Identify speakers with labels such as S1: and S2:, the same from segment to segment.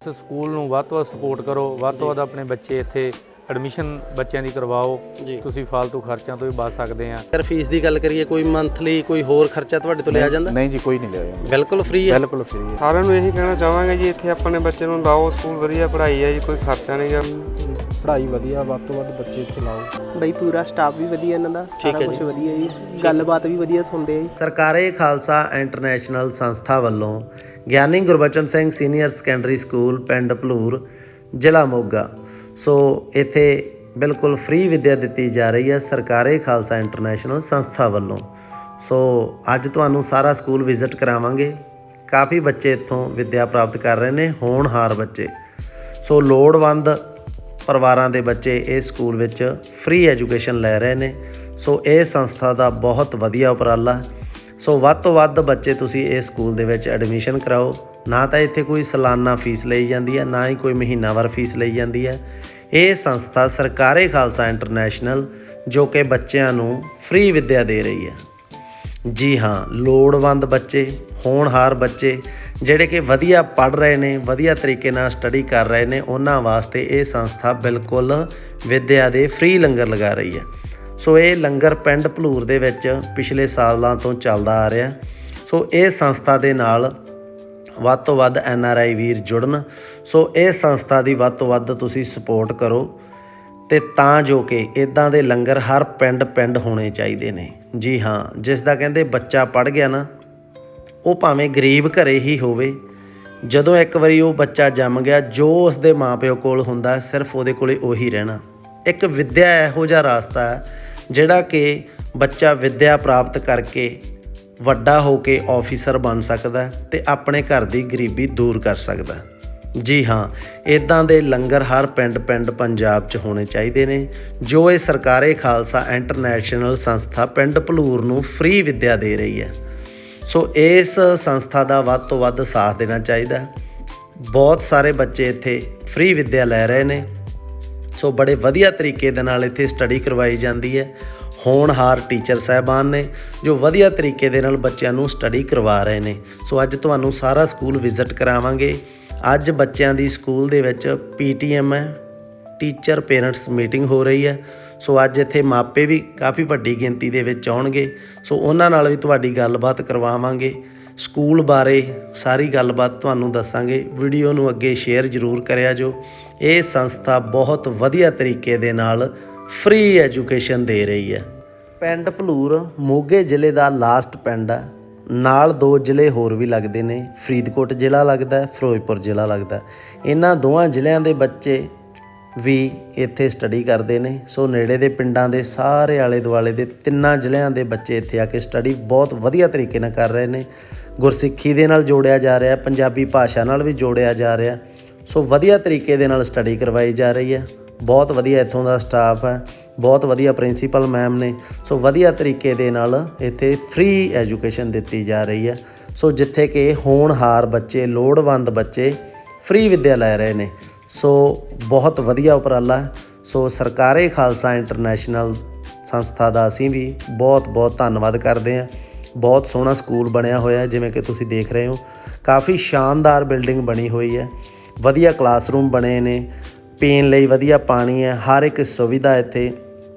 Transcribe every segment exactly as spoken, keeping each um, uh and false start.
S1: ਇਸ ਸਕੂਲ ਨੂੰ ਵੱਧ ਤੋਂ ਵੱਧ ਸਪੋਰਟ ਕਰੋ, ਵੱਧ ਤੋਂ ਵੱਧ ਆਪਣੇ ਬੱਚੇ ਇੱਥੇ ਐਡਮਿਸ਼ਨ ਬੱਚਿਆਂ ਦੀ ਕਰਵਾਓ, ਤੁਸੀਂ ਫालतू ਖਰਚਿਆਂ ਤੋਂ ਵੀ ਬਚ ਸਕਦੇ ਆ।
S2: ਅਗਰ ਫੀਸ ਦੀ ਗੱਲ ਕਰੀਏ, ਕੋਈ ਮੰਥਲੀ ਕੋਈ ਹੋਰ ਖਰਚਾ ਤੁਹਾਡੇ ਤੋਂ ਲਿਆ ਜਾਂਦਾ?
S3: ਨਹੀਂ ਜੀ, ਕੋਈ ਨਹੀਂ ਲਿਆ ਜਾਂਦਾ,
S2: ਬਿਲਕੁਲ ਫ੍ਰੀ ਹੈ।
S3: ਬਿਲਕੁਲ ਫ੍ਰੀ ਹੈ।
S4: ਸਾਰਿਆਂ ਨੂੰ ਇਹੀ ਕਹਿਣਾ ਚਾਹਾਂਗੇ ਜੀ, ਇੱਥੇ ਆਪਣੇ ਬੱਚੇ ਨੂੰ ਲਾਓ, ਸਕੂਲ ਵਧੀਆ ਪੜ੍ਹਾਈ ਹੈ ਜੀ, ਕੋਈ ਖਰਚਾ ਨਹੀਂ ਗਾ।
S3: ਪੜ੍ਹਾਈ ਵਧੀਆ, ਵੱਧ ਤੋਂ ਵੱਧ ਬੱਚੇ ਇੱਥੇ ਲਾਓ।
S5: ਬਈ ਪੂਰਾ ਸਟਾਫ ਵੀ ਵਧੀਆ ਇਹਨਾਂ ਦਾ, ਸਾਰਾ ਕੁਝ ਵਧੀਆ ਜੀ, ਗੱਲਬਾਤ ਵੀ ਵਧੀਆ ਸੁਣਦੇ ਆ ਜੀ।
S2: ਸਰਕਾਰੀ ਖਾਲਸਾ ਇੰਟਰਨੈਸ਼ਨਲ ਸੰਸਥਾ ਵੱਲੋਂ Giani Gurbachan Singh senior secondary school ਪਿੰਡ ਭਲੂਰ, ਜ਼ਿਲ੍ਹਾ ਮੋਗਾ। ਸੋ ਇੱਥੇ ਬਿਲਕੁਲ ਫ੍ਰੀ ਵਿੱਦਿਆ ਦਿੱਤੀ ਜਾ ਰਹੀ ਹੈ ਸਰਕਾਰੀ ਖਾਲਸਾ ਇੰਟਰਨੈਸ਼ਨਲ ਸੰਸਥਾ ਵੱਲੋਂ। ਸੋ ਅੱਜ ਤੁਹਾਨੂੰ ਸਾਰਾ ਸਕੂਲ ਵਿਜ਼ਿਟ ਕਰਾਵਾਂਗੇ। ਕਾਫੀ ਬੱਚੇ ਇੱਥੋਂ ਵਿੱਦਿਆ ਪ੍ਰਾਪਤ ਕਰ ਰਹੇ ਨੇ, ਹੋਣਹਾਰ ਬੱਚੇ। ਸੋ ਲੋੜਵੰਦ ਪਰਿਵਾਰਾਂ ਦੇ ਬੱਚੇ ਇਸ ਸਕੂਲ ਵਿੱਚ ਫ੍ਰੀ ਐਜੂਕੇਸ਼ਨ ਲੈ ਰਹੇ ਨੇ। ਸੋ ਇਹ ਸੰਸਥਾ ਦਾ ਬਹੁਤ ਵਧੀਆ ਉਪਰਾਲਾ। ਸੋ ਵੱਧ ਤੋਂ ਵੱਧ ਬੱਚੇ ਤੁਸੀਂ ਇਸ ਸਕੂਲ ਦੇ ਵਿੱਚ ਐਡਮਿਸ਼ਨ ਕਰਾਓ। ਨਾ ਤਾਂ ਇੱਥੇ ਕੋਈ ਸਾਲਾਨਾ ਫੀਸ ਲਈ ਜਾਂਦੀ ਹੈ, ਨਾ ਹੀ ਕੋਈ ਮਹੀਨਾਵਾਰ ਫੀਸ ਲਈ ਜਾਂਦੀ ਹੈ। ਇਹ ਸੰਸਥਾ ਸਰਕਾਰੀ ਖਾਲਸਾ ਇੰਟਰਨੈਸ਼ਨਲ ਜੋ ਕਿ ਬੱਚਿਆਂ ਨੂੰ ਫ੍ਰੀ ਵਿੱਦਿਆ ਦੇ ਰਹੀ ਹੈ। ਜੀ ਹਾਂ, ਲੋੜਵੰਦ ਬੱਚੇ, ਹੋਣਹਾਰ ਬੱਚੇ ਜਿਹੜੇ ਕਿ ਵਧੀਆ ਪੜ੍ਹ ਰਹੇ ਨੇ, ਵਧੀਆ ਤਰੀਕੇ ਨਾਲ ਸਟੱਡੀ ਕਰ ਰਹੇ ਨੇ, ਉਹਨਾਂ ਵਾਸਤੇ ਇਹ ਸੰਸਥਾ ਬਿਲਕੁਲ ਵਿੱਦਿਆ ਦੇ ਫ੍ਰੀ ਲੰਗਰ ਲਗਾ ਰਹੀ ਹੈ। ਸੋ ਇਹ ਲੰਗਰ ਪਿੰਡ ਭਲੂਰ ਦੇ ਵਿੱਚ ਪਿਛਲੇ ਸਾਲਾਂ ਤੋਂ ਚੱਲਦਾ ਆ ਰਿਹਾ। ਸੋ ਇਹ ਸੰਸਥਾ ਦੇ ਨਾਲ ਵੱਧ ਤੋਂ ਵੱਧ ਐਨ ਆਰ ਆਈ ਵੀਰ ਜੁੜਨ। ਸੋ ਇਹ ਸੰਸਥਾ ਦੀ ਵੱਧ ਤੋਂ ਵੱਧ ਤੁਸੀਂ ਸਪੋਰਟ ਕਰੋ, ਅਤੇ ਤਾਂ ਜੋ ਕਿ ਇੱਦਾਂ ਦੇ ਲੰਗਰ ਹਰ ਪਿੰਡ ਪਿੰਡ ਹੋਣੇ ਚਾਹੀਦੇ ਨੇ। ਜੀ ਹਾਂ, ਜਿਸ ਦਾ ਕਹਿੰਦੇ ਬੱਚਾ ਪੜ੍ਹ ਗਿਆ ਨਾ, ਉਹ ਭਾਵੇਂ ਗਰੀਬ ਘਰੇ ਹੀ ਹੋਵੇ, ਜਦੋਂ ਇੱਕ ਵਾਰੀ ਉਹ ਬੱਚਾ ਜੰਮ ਗਿਆ, ਜੋ ਉਸ ਦੇ ਮਾਂ ਪਿਓ ਕੋਲ ਹੁੰਦਾ ਸਿਰਫ ਉਹਦੇ ਕੋਲੇ ਉਹੀ ਰਹਿਣਾ। ਇੱਕ ਵਿੱਦਿਆ ਇਹੋ ਜਿਹਾ ਰਾਸਤਾ ਹੈ ਜਿਹੜਾ ਕਿ ਬੱਚਾ ਵਿੱਦਿਆ ਪ੍ਰਾਪਤ ਕਰਕੇ ਵੱਡਾ ਹੋ ਕੇ ਆਫਿਸਰ ਬਣ ਸਕਦਾ ਅਤੇ ਆਪਣੇ ਘਰ ਦੀ ਗਰੀਬੀ ਦੂਰ ਕਰ ਸਕਦਾ। ਜੀ ਹਾਂ, ਇੱਦਾਂ ਦੇ ਲੰਗਰ ਹਰ ਪਿੰਡ ਪਿੰਡ ਪੰਜਾਬ 'ਚ ਹੋਣੇ ਚਾਹੀਦੇ ਨੇ, ਜੋ ਇਹ ਸਰਕਾਰੀ ਖਾਲਸਾ ਇੰਟਰਨੈਸ਼ਨਲ ਸੰਸਥਾ ਪਿੰਡ ਭਲੂਰ ਨੂੰ ਫ੍ਰੀ ਵਿੱਦਿਆ ਦੇ ਰਹੀ ਹੈ। ਸੋ ਇਸ ਸੰਸਥਾ ਦਾ ਵੱਧ ਤੋਂ ਵੱਧ ਸਾਥ ਦੇਣਾ ਚਾਹੀਦਾ। ਬਹੁਤ ਸਾਰੇ ਬੱਚੇ ਇੱਥੇ ਫ੍ਰੀ ਵਿੱਦਿਆ ਲੈ ਰਹੇ ਨੇ। ਸੋ ਬੜੇ ਵਧੀਆ ਤਰੀਕੇ ਦੇ ਨਾਲ ਇੱਥੇ ਸਟੱਡੀ ਕਰਵਾਈ ਜਾਂਦੀ ਹੈ। ਹੋਣਹਾਰ ਟੀਚਰ ਸਾਹਿਬਾਨ ਨੇ ਜੋ ਵਧੀਆ ਤਰੀਕੇ ਦੇ ਨਾਲ ਬੱਚਿਆਂ ਨੂੰ ਸਟੱਡੀ ਕਰਵਾ ਰਹੇ ਨੇ। ਸੋ ਅੱਜ ਤੁਹਾਨੂੰ ਸਾਰਾ ਸਕੂਲ ਵਿਜ਼ਿਟ ਕਰਾਵਾਂਗੇ। ਅੱਜ ਬੱਚਿਆਂ ਦੀ ਸਕੂਲ ਦੇ ਵਿੱਚ ਪੀ ਟੀ ਐਮ ਹੈ, ਟੀਚਰ ਪੇਰੈਂਟਸ ਮੀਟਿੰਗ ਹੋ ਰਹੀ ਹੈ। ਸੋ ਅੱਜ ਇੱਥੇ ਮਾਪੇ ਵੀ ਕਾਫੀ ਵੱਡੀ ਗਿਣਤੀ ਦੇ ਵਿੱਚ ਆਉਣਗੇ। ਸੋ ਉਹਨਾਂ ਨਾਲ ਵੀ ਤੁਹਾਡੀ ਗੱਲਬਾਤ ਕਰਵਾਵਾਂਗੇ, ਸਕੂਲ ਬਾਰੇ ਸਾਰੀ ਗੱਲਬਾਤ ਤੁਹਾਨੂੰ ਦੱਸਾਂਗੇ। ਵੀਡੀਓ ਨੂੰ ਅੱਗੇ ਸ਼ੇਅਰ ਜ਼ਰੂਰ ਕਰਿਆ ਜੋ। ਇਹ ਸੰਸਥਾ ਬਹੁਤ ਵਧੀਆ ਤਰੀਕੇ ਦੇ ਨਾਲ ਫ੍ਰੀ ਐਜੂਕੇਸ਼ਨ ਦੇ ਰਹੀ ਹੈ। ਪਿੰਡ ਭਲੂਰ ਮੋਗੇ ਜ਼ਿਲ੍ਹੇ ਦਾ ਲਾਸਟ ਪਿੰਡ ਹੈ। ਨਾਲ ਦੋ ਜ਼ਿਲ੍ਹੇ ਹੋਰ ਵੀ ਲੱਗਦੇ ਨੇ, ਫਰੀਦਕੋਟ ਜ਼ਿਲ੍ਹਾ ਲੱਗਦਾ, ਫਿਰੋਜ਼ਪੁਰ ਜ਼ਿਲ੍ਹਾ ਲੱਗਦਾ। ਇਹਨਾਂ ਦੋਵਾਂ ਜ਼ਿਲ੍ਹਿਆਂ ਦੇ ਬੱਚੇ ਵੀ ਇੱਥੇ ਸਟੱਡੀ ਕਰਦੇ ਨੇ। ਸੋ ਨੇੜੇ ਦੇ ਪਿੰਡਾਂ ਦੇ ਸਾਰੇ ਆਲੇ ਦੁਆਲੇ ਦੇ ਤਿੰਨਾਂ ਜ਼ਿਲ੍ਹਿਆਂ ਦੇ ਬੱਚੇ ਇੱਥੇ ਆ ਕੇ ਸਟੱਡੀ ਬਹੁਤ ਵਧੀਆ ਤਰੀਕੇ ਨਾਲ ਕਰ ਰਹੇ ਨੇ। ਗੁਰਸਿੱਖੀ ਦੇ ਨਾਲ ਜੋੜਿਆ ਜਾ ਰਿਹਾ, ਪੰਜਾਬੀ ਭਾਸ਼ਾ ਨਾਲ ਵੀ ਜੋੜਿਆ ਜਾ ਰਿਹਾ। ਸੋ ਵਧੀਆ ਤਰੀਕੇ ਦੇ ਨਾਲ ਸਟੱਡੀ ਕਰਵਾਈ ਜਾ ਰਹੀ ਹੈ। ਬਹੁਤ ਵਧੀਆ ਇੱਥੋਂ ਦਾ ਸਟਾਫ ਹੈ, ਬਹੁਤ ਵਧੀਆ ਪ੍ਰਿੰਸੀਪਲ ਮੈਮ ਨੇ। ਸੋ ਵਧੀਆ ਤਰੀਕੇ ਦੇ ਨਾਲ ਇੱਥੇ ਫ੍ਰੀ ਐਜੂਕੇਸ਼ਨ ਦਿੱਤੀ ਜਾ ਰਹੀ ਹੈ। ਸੋ ਜਿੱਥੇ ਕਿ ਹੋਣਹਾਰ ਬੱਚੇ, ਲੋੜਵੰਦ ਬੱਚੇ ਫ੍ਰੀ ਵਿੱਦਿਆ ਲੈ ਰਹੇ ਨੇ। ਸੋ ਬਹੁਤ ਵਧੀਆ ਉਪਰਾਲਾ। ਸੋ ਸਰਕਾਰੀ ਖਾਲਸਾ ਇੰਟਰਨੈਸ਼ਨਲ ਸੰਸਥਾ ਦਾ ਅਸੀਂ ਵੀ ਬਹੁਤ ਬਹੁਤ ਧੰਨਵਾਦ ਕਰਦੇ ਹਾਂ। ਬਹੁਤ ਸੋਹਣਾ ਸਕੂਲ ਬਣਿਆ ਹੋਇਆ, ਜਿਵੇਂ ਕਿ ਤੁਸੀਂ ਦੇਖ ਰਹੇ ਹੋ। ਕਾਫੀ ਸ਼ਾਨਦਾਰ ਬਿਲਡਿੰਗ ਬਣੀ ਹੋਈ ਹੈ, ਵਧੀਆ ਕਲਾਸਰੂਮ ਬਣੇ ਨੇ, ਪੀਣ ਲਈ ਵਧੀਆ ਪਾਣੀ ਹੈ, ਹਰ ਇੱਕ ਸੁਵਿਧਾ ਇੱਥੇ,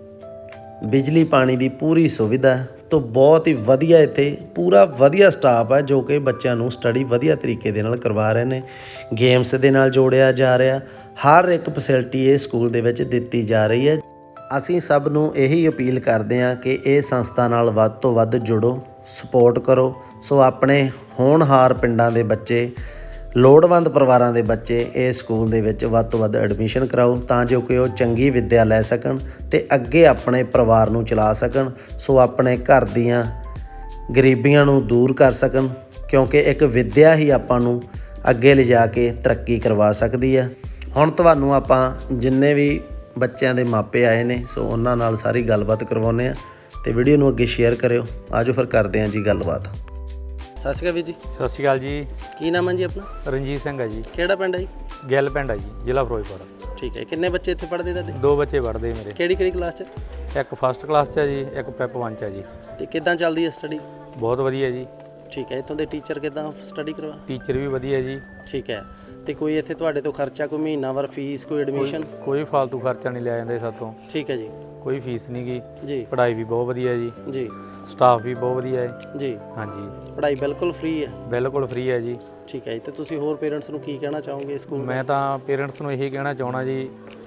S2: ਬਿਜਲੀ ਪਾਣੀ ਦੀ ਪੂਰੀ ਸੁਵਿਧਾ। ਤੋਂ ਬਹੁਤ ਹੀ ਵਧੀਆ ਇੱਥੇ ਪੂਰਾ ਵਧੀਆ ਸਟਾਫ ਹੈ ਜੋ ਕਿ ਬੱਚਿਆਂ ਨੂੰ ਸਟੱਡੀ ਵਧੀਆ ਤਰੀਕੇ ਦੇ ਨਾਲ ਕਰਵਾ ਰਹੇ ਨੇ। ਗੇਮਸ ਦੇ ਨਾਲ ਜੋੜਿਆ ਜਾ ਰਿਹਾ, ਹਰ ਇੱਕ ਫੈਸਿਲਿਟੀ ਇਹ ਸਕੂਲ ਦੇ ਵਿੱਚ ਦਿੱਤੀ ਜਾ ਰਹੀ ਹੈ। ਅਸੀਂ ਸਭ ਨੂੰ ਇਹੀ ਅਪੀਲ ਕਰਦੇ ਹਾਂ ਕਿ ਇਹ ਸੰਸਥਾ ਨਾਲ ਵੱਧ ਤੋਂ ਵੱਧ ਜੁੜੋ, ਸਪੋਰਟ ਕਰੋ। ਸੋ ਆਪਣੇ ਹੋਣਹਾਰ ਪਿੰਡਾਂ ਦੇ ਬੱਚੇ, ਲੋੜਵੰਦ ਪਰਿਵਾਰਾਂ ਦੇ ਬੱਚੇ ਇਹ ਸਕੂਲ ਦੇ ਵਿੱਚ ਵੱਧ ਤੋਂ ਵੱਧ ਐਡਮਿਸ਼ਨ ਕਰਾਓ, ਤਾਂ ਜੋ ਕਿ ਉਹ ਚੰਗੀ ਵਿੱਦਿਆ ਲੈ ਸਕਣ ਅਤੇ ਅੱਗੇ ਆਪਣੇ ਪਰਿਵਾਰ ਨੂੰ ਚਲਾ ਸਕਣ। ਸੋ ਆਪਣੇ ਘਰ ਦੀਆਂ ਗਰੀਬੀਆਂ ਨੂੰ ਦੂਰ ਕਰ ਸਕਣ, ਕਿਉਂਕਿ ਇੱਕ ਵਿੱਦਿਆ ਹੀ ਆਪਾਂ ਨੂੰ ਅੱਗੇ ਲਿਜਾ ਕੇ ਤਰੱਕੀ ਕਰਵਾ ਸਕਦੀ ਹੈ। ਹੁਣ ਤੁਹਾਨੂੰ ਆਪਾਂ ਜਿੰਨੇ ਵੀ ਬੱਚਿਆਂ ਦੇ ਮਾਪੇ ਆਏ ਨੇ, ਸੋ ਉਹਨਾਂ ਨਾਲ ਸਾਰੀ ਗੱਲਬਾਤ ਕਰਵਾਉਂਦੇ ਹਾਂ ਅਤੇ ਵੀਡੀਓ ਨੂੰ ਅੱਗੇ ਸ਼ੇਅਰ ਕਰਿਓ। ਆਜੋ ਫਿਰ ਕਰਦੇ ਹਾਂ ਜੀ ਗੱਲਬਾਤ। ਸਤਿ ਸ਼੍ਰੀ ਅਕਾਲ ਵੀਰ ਜੀ।
S1: ਸਤਿ ਸ਼੍ਰੀ ਅਕਾਲ ਜੀ।
S2: ਕੀ ਨਾਮ ਹੈ ਜੀ ਆਪਣਾ?
S1: ਰਣਜੀਤ ਸਿੰਘ ਹੈ ਜੀ।
S2: ਕਿਹੜਾ ਪਿੰਡ ਹੈ ਜੀ?
S1: ਗਿੱਲ ਪਿੰਡ ਹੈ ਜੀ, ਜ਼ਿਲ੍ਹਾ ਫਿਰੋਜ਼ਪੁਰ।
S2: ਠੀਕ ਹੈ। ਕਿੰਨੇ ਬੱਚੇ ਇੱਥੇ ਪੜ੍ਹਦੇ ਤੁਹਾਡੇ?
S1: ਦੋ ਬੱਚੇ ਪੜ੍ਹਦੇ ਮੇਰੇ।
S2: ਕਿਹੜੀ ਕਿਹੜੀ ਕਲਾਸ 'ਚ?
S1: ਇੱਕ ਫਸਟ ਕਲਾਸ 'ਚ ਹੈ ਜੀ, ਇੱਕ ਪ੍ਰੈਪ ਵਨ 'ਚ ਹੈ ਜੀ।
S2: ਅਤੇ ਕਿੱਦਾਂ ਚੱਲਦੀ ਹੈ ਸਟੱਡੀ?
S1: ਬਹੁਤ ਵਧੀਆ ਜੀ।
S2: ਠੀਕ ਹੈ। ਇੱਥੋਂ ਦੇ ਟੀਚਰ ਕਿੱਦਾਂ ਸਟੱਡੀ ਕਰਵਾ?
S1: ਟੀਚਰ ਵੀ ਵਧੀਆ ਜੀ।
S2: ਠੀਕ ਹੈ। ਤੇ ਕੋਈ ਇੱਥੇ ਤੁਹਾਡੇ ਤੋਂ ਖਰਚਾ, ਕੋਈ ਮਹੀਨਾਵਾਰ ਫੀਸ, ਕੋਈ ਐਡਮਿਸ਼ਨ?
S1: ਕੋਈ ਫालतू ਖਰਚਾ ਨਹੀਂ ਲਿਆ ਜਾਂਦਾ ਸਾਤੋਂ।
S2: ਠੀਕ ਹੈ ਜੀ।
S1: ਕੋਈ ਫੀਸ ਨਹੀਂ ਗੀ
S2: ਜੀ।
S1: ਪੜ੍ਹਾਈ ਵੀ ਬਹੁਤ ਵਧੀਆ ਜੀ।
S2: ਜੀ।
S1: ਸਟਾਫ ਵੀ ਬਹੁਤ ਵਧੀਆ ਹੈ
S2: ਜੀ।
S1: ਹਾਂਜੀ।
S2: ਪੜ੍ਹਾਈ ਬਿਲਕੁਲ ਫ੍ਰੀ ਹੈ?
S1: ਬਿਲਕੁਲ ਫ੍ਰੀ ਹੈ ਜੀ।
S2: ਠੀਕ ਹੈ ਜੀ। ਤੇ ਤੁਸੀਂ ਹੋਰ ਪੇਰੈਂਟਸ ਨੂੰ ਕੀ ਕਹਿਣਾ ਚਾਹੋਗੇ ਸਕੂਲ?
S1: ਮੈਂ ਤਾਂ ਪੇਰੈਂਟਸ ਨੂੰ ਇਹੀ ਕਹਿਣਾ ਚਾਹਣਾ ਜੀ,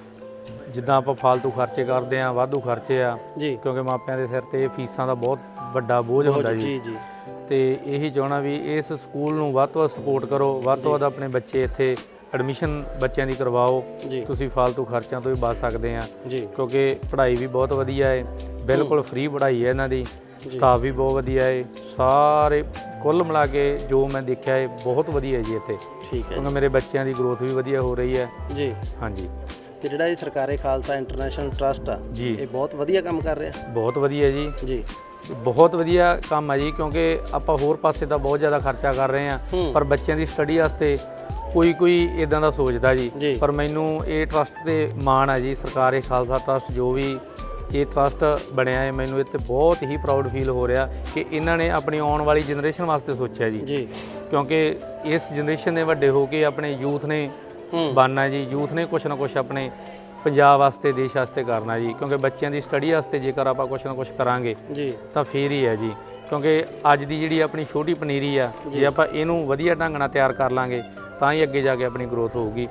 S1: ਜਿੱਦਾਂ ਆਪਾਂ ਫालतू ਖਰਚੇ ਕਰਦੇ ਆ, ਵਾਧੂ ਖਰਚੇ ਆ
S2: ਜੀ,
S1: ਕਿਉਂਕਿ ਮਾਪਿਆਂ ਦੇ ਸਿਰ ਤੇ ਫੀਸਾਂ ਦਾ ਬਹੁਤ ਵੱਡਾ ਬੋਝ ਹੁੰਦਾ ਜੀ।
S2: ਜੀ ਜੀ।
S1: ਤੇ ਇਹੀ ਚਾਹਣਾ ਵੀ ਇਸ ਸਕੂਲ ਨੂੰ ਵੱਧ ਤੋਂ ਵੱਧ ਸਪੋਰਟ ਕਰੋ, ਵੱਧ ਤੋਂ ਵੱਧ ਆਪਣੇ ਬੱਚੇ ਇੱਥੇ ਐਡਮਿਸ਼ਨ ਬੱਚਿਆਂ ਦੀ ਕਰਵਾਓ। ਤੁਸੀਂ ਫालतू ਖਰਚਿਆਂ ਤੋਂ ਵੀ ਬਚ ਸਕਦੇ ਆ ਕਿਉਂਕਿ ਪੜ੍ਹਾਈ ਵੀ ਬਹੁਤ ਵਧੀਆ ਹੈ, ਬਿਲਕੁਲ ਫ੍ਰੀ ਪੜ੍ਹਾਈ ਹੈ ਇਹਨਾਂ ਦੀ। ਸਟਾਫ ਵੀ ਬਹੁਤ ਵਧੀਆ ਹੈ, ਸਾਰੇ ਕੁੱਲ ਮਿਲਾ ਕੇ ਜੋ ਮੈਂ ਦੇਖਿਆ ਹੈ ਬਹੁਤ ਵਧੀਆ ਹੈ ਜੀ ਇੱਥੇ।
S2: ਠੀਕ ਹੈ।
S1: ਕਿਉਂਕਿ ਮੇਰੇ ਬੱਚਿਆਂ ਦੀ ਗਰੋਥ ਵੀ ਵਧੀਆ ਹੋ ਰਹੀ ਹੈ ਜੀ। ਹਾਂਜੀ।
S2: ਤੇ ਜਿਹੜਾ ਇਹ ਸਰਕਾਰੀ ਖਾਲਸਾ ਇੰਟਰਨੈਸ਼ਨਲ ਟਰਸਟ ਆ ਜੀ, ਇਹ ਬਹੁਤ ਵਧੀਆ ਕੰਮ ਕਰ ਰਿਹਾ?
S1: ਬਹੁਤ ਵਧੀਆ ਜੀ।
S2: ਜੀ।
S1: ਬਹੁਤ ਵਧੀਆ ਕੰਮ ਹੈ ਜੀ, ਕਿਉਂਕਿ ਆਪਾਂ ਹੋਰ ਪਾਸੇ ਤਾਂ ਬਹੁਤ ਜ਼ਿਆਦਾ ਖਰਚਾ ਕਰ ਰਹੇ ਹਾਂ, ਪਰ ਬੱਚਿਆਂ ਦੀ ਸਟੱਡੀ ਵਾਸਤੇ ਕੋਈ ਕੋਈ ਇਦਾਂ ਦਾ ਸੋਚਦਾ ਜੀ। ਪਰ ਮੈਨੂੰ ਇਹ ਟਰਸਟ ਤੇ ਮਾਣ ਹੈ ਜੀ, ਸਰਕਾਰੀ ਖਾਲਸਾ ਟਰਸਟ ਜੋ ਵੀ ਇਹ ਟਰਸਟ ਬਣਿਆ ਹੈ, ਮੈਨੂੰ ਇਹ 'ਤੇ ਬਹੁਤ ਹੀ ਪ੍ਰਾਊਡ ਫੀਲ ਹੋ ਰਿਹਾ ਕਿ ਇਹਨਾਂ ਨੇ ਆਪਣੀ ਆਉਣ ਵਾਲੀ ਜਨਰੇਸ਼ਨ ਵਾਸਤੇ ਸੋਚਿਆ ਜੀ। ਜੀ। ਕਿਉਂਕਿ ਇਸ ਜਨਰੇਸ਼ਨ ਨੇ ਵੱਡੇ ਹੋ ਕੇ ਆਪਣੇ ਯੂਥ ਨੇ ਬਣਨਾ ਜੀ, ਯੂਥ ਨੇ ਕੁਛ ਨਾ ਕੁਛ ਆਪਣੇ ਪੰਜਾਬ ਵਾਸਤੇ, ਦੇਸ਼ ਵਾਸਤੇ ਕਰਨਾ ਜੀ। ਕਿਉਂਕਿ ਬੱਚਿਆਂ ਦੀ ਸਟੱਡੀ ਵਾਸਤੇ ਜੇਕਰ ਆਪਾਂ ਕੁਛ ਨਾ ਕੁਛ ਕਰਾਂਗੇ ਜੀ ਤਾਂ ਫੇਰ ਹੀ ਹੈ ਜੀ। ਕਿਉਂਕਿ ਅੱਜ ਦੀ ਜਿਹੜੀ ਆਪਣੀ ਛੋਟੀ ਪਨੀਰੀ ਆ, ਜੇ ਆਪਾਂ ਇਹਨੂੰ ਵਧੀਆ ਢੰਗ ਨਾਲ ਤਿਆਰ ਕਰ ਲਾਂਗੇ ਤਾਂ ਹੀ ਅੱਗੇ ਜਾ ਕੇ ਆਪਣੀ ਗਰੋਥ ਹੋਊਗੀ।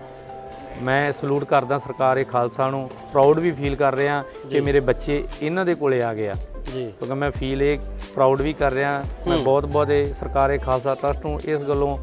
S1: ਮੈਂ ਸਲੂਟ ਕਰਦਾ ਸਰਕਾਰੀ ਖਾਲਸਾ ਨੂੰ, ਪ੍ਰਾਊਡ ਵੀ ਫੀਲ ਕਰ ਰਿਹਾ ਕਿ ਮੇਰੇ ਬੱਚੇ ਇਹਨਾਂ ਦੇ ਕੋਲੇ ਆ ਗਏ ਆ ਜੀ। ਕਿਉਂਕਿ ਮੈਂ ਫੀਲ ਇਹ ਪ੍ਰਾਊਡ ਵੀ ਕਰ ਰਿਹਾ। ਮੈਂ ਬਹੁਤ ਬਹੁਤ ਇਹ ਸਰਕਾਰੀ ਖਾਲਸਾ ਟਰਸਟ ਨੂੰ ਇਸ ਗੱਲੋਂ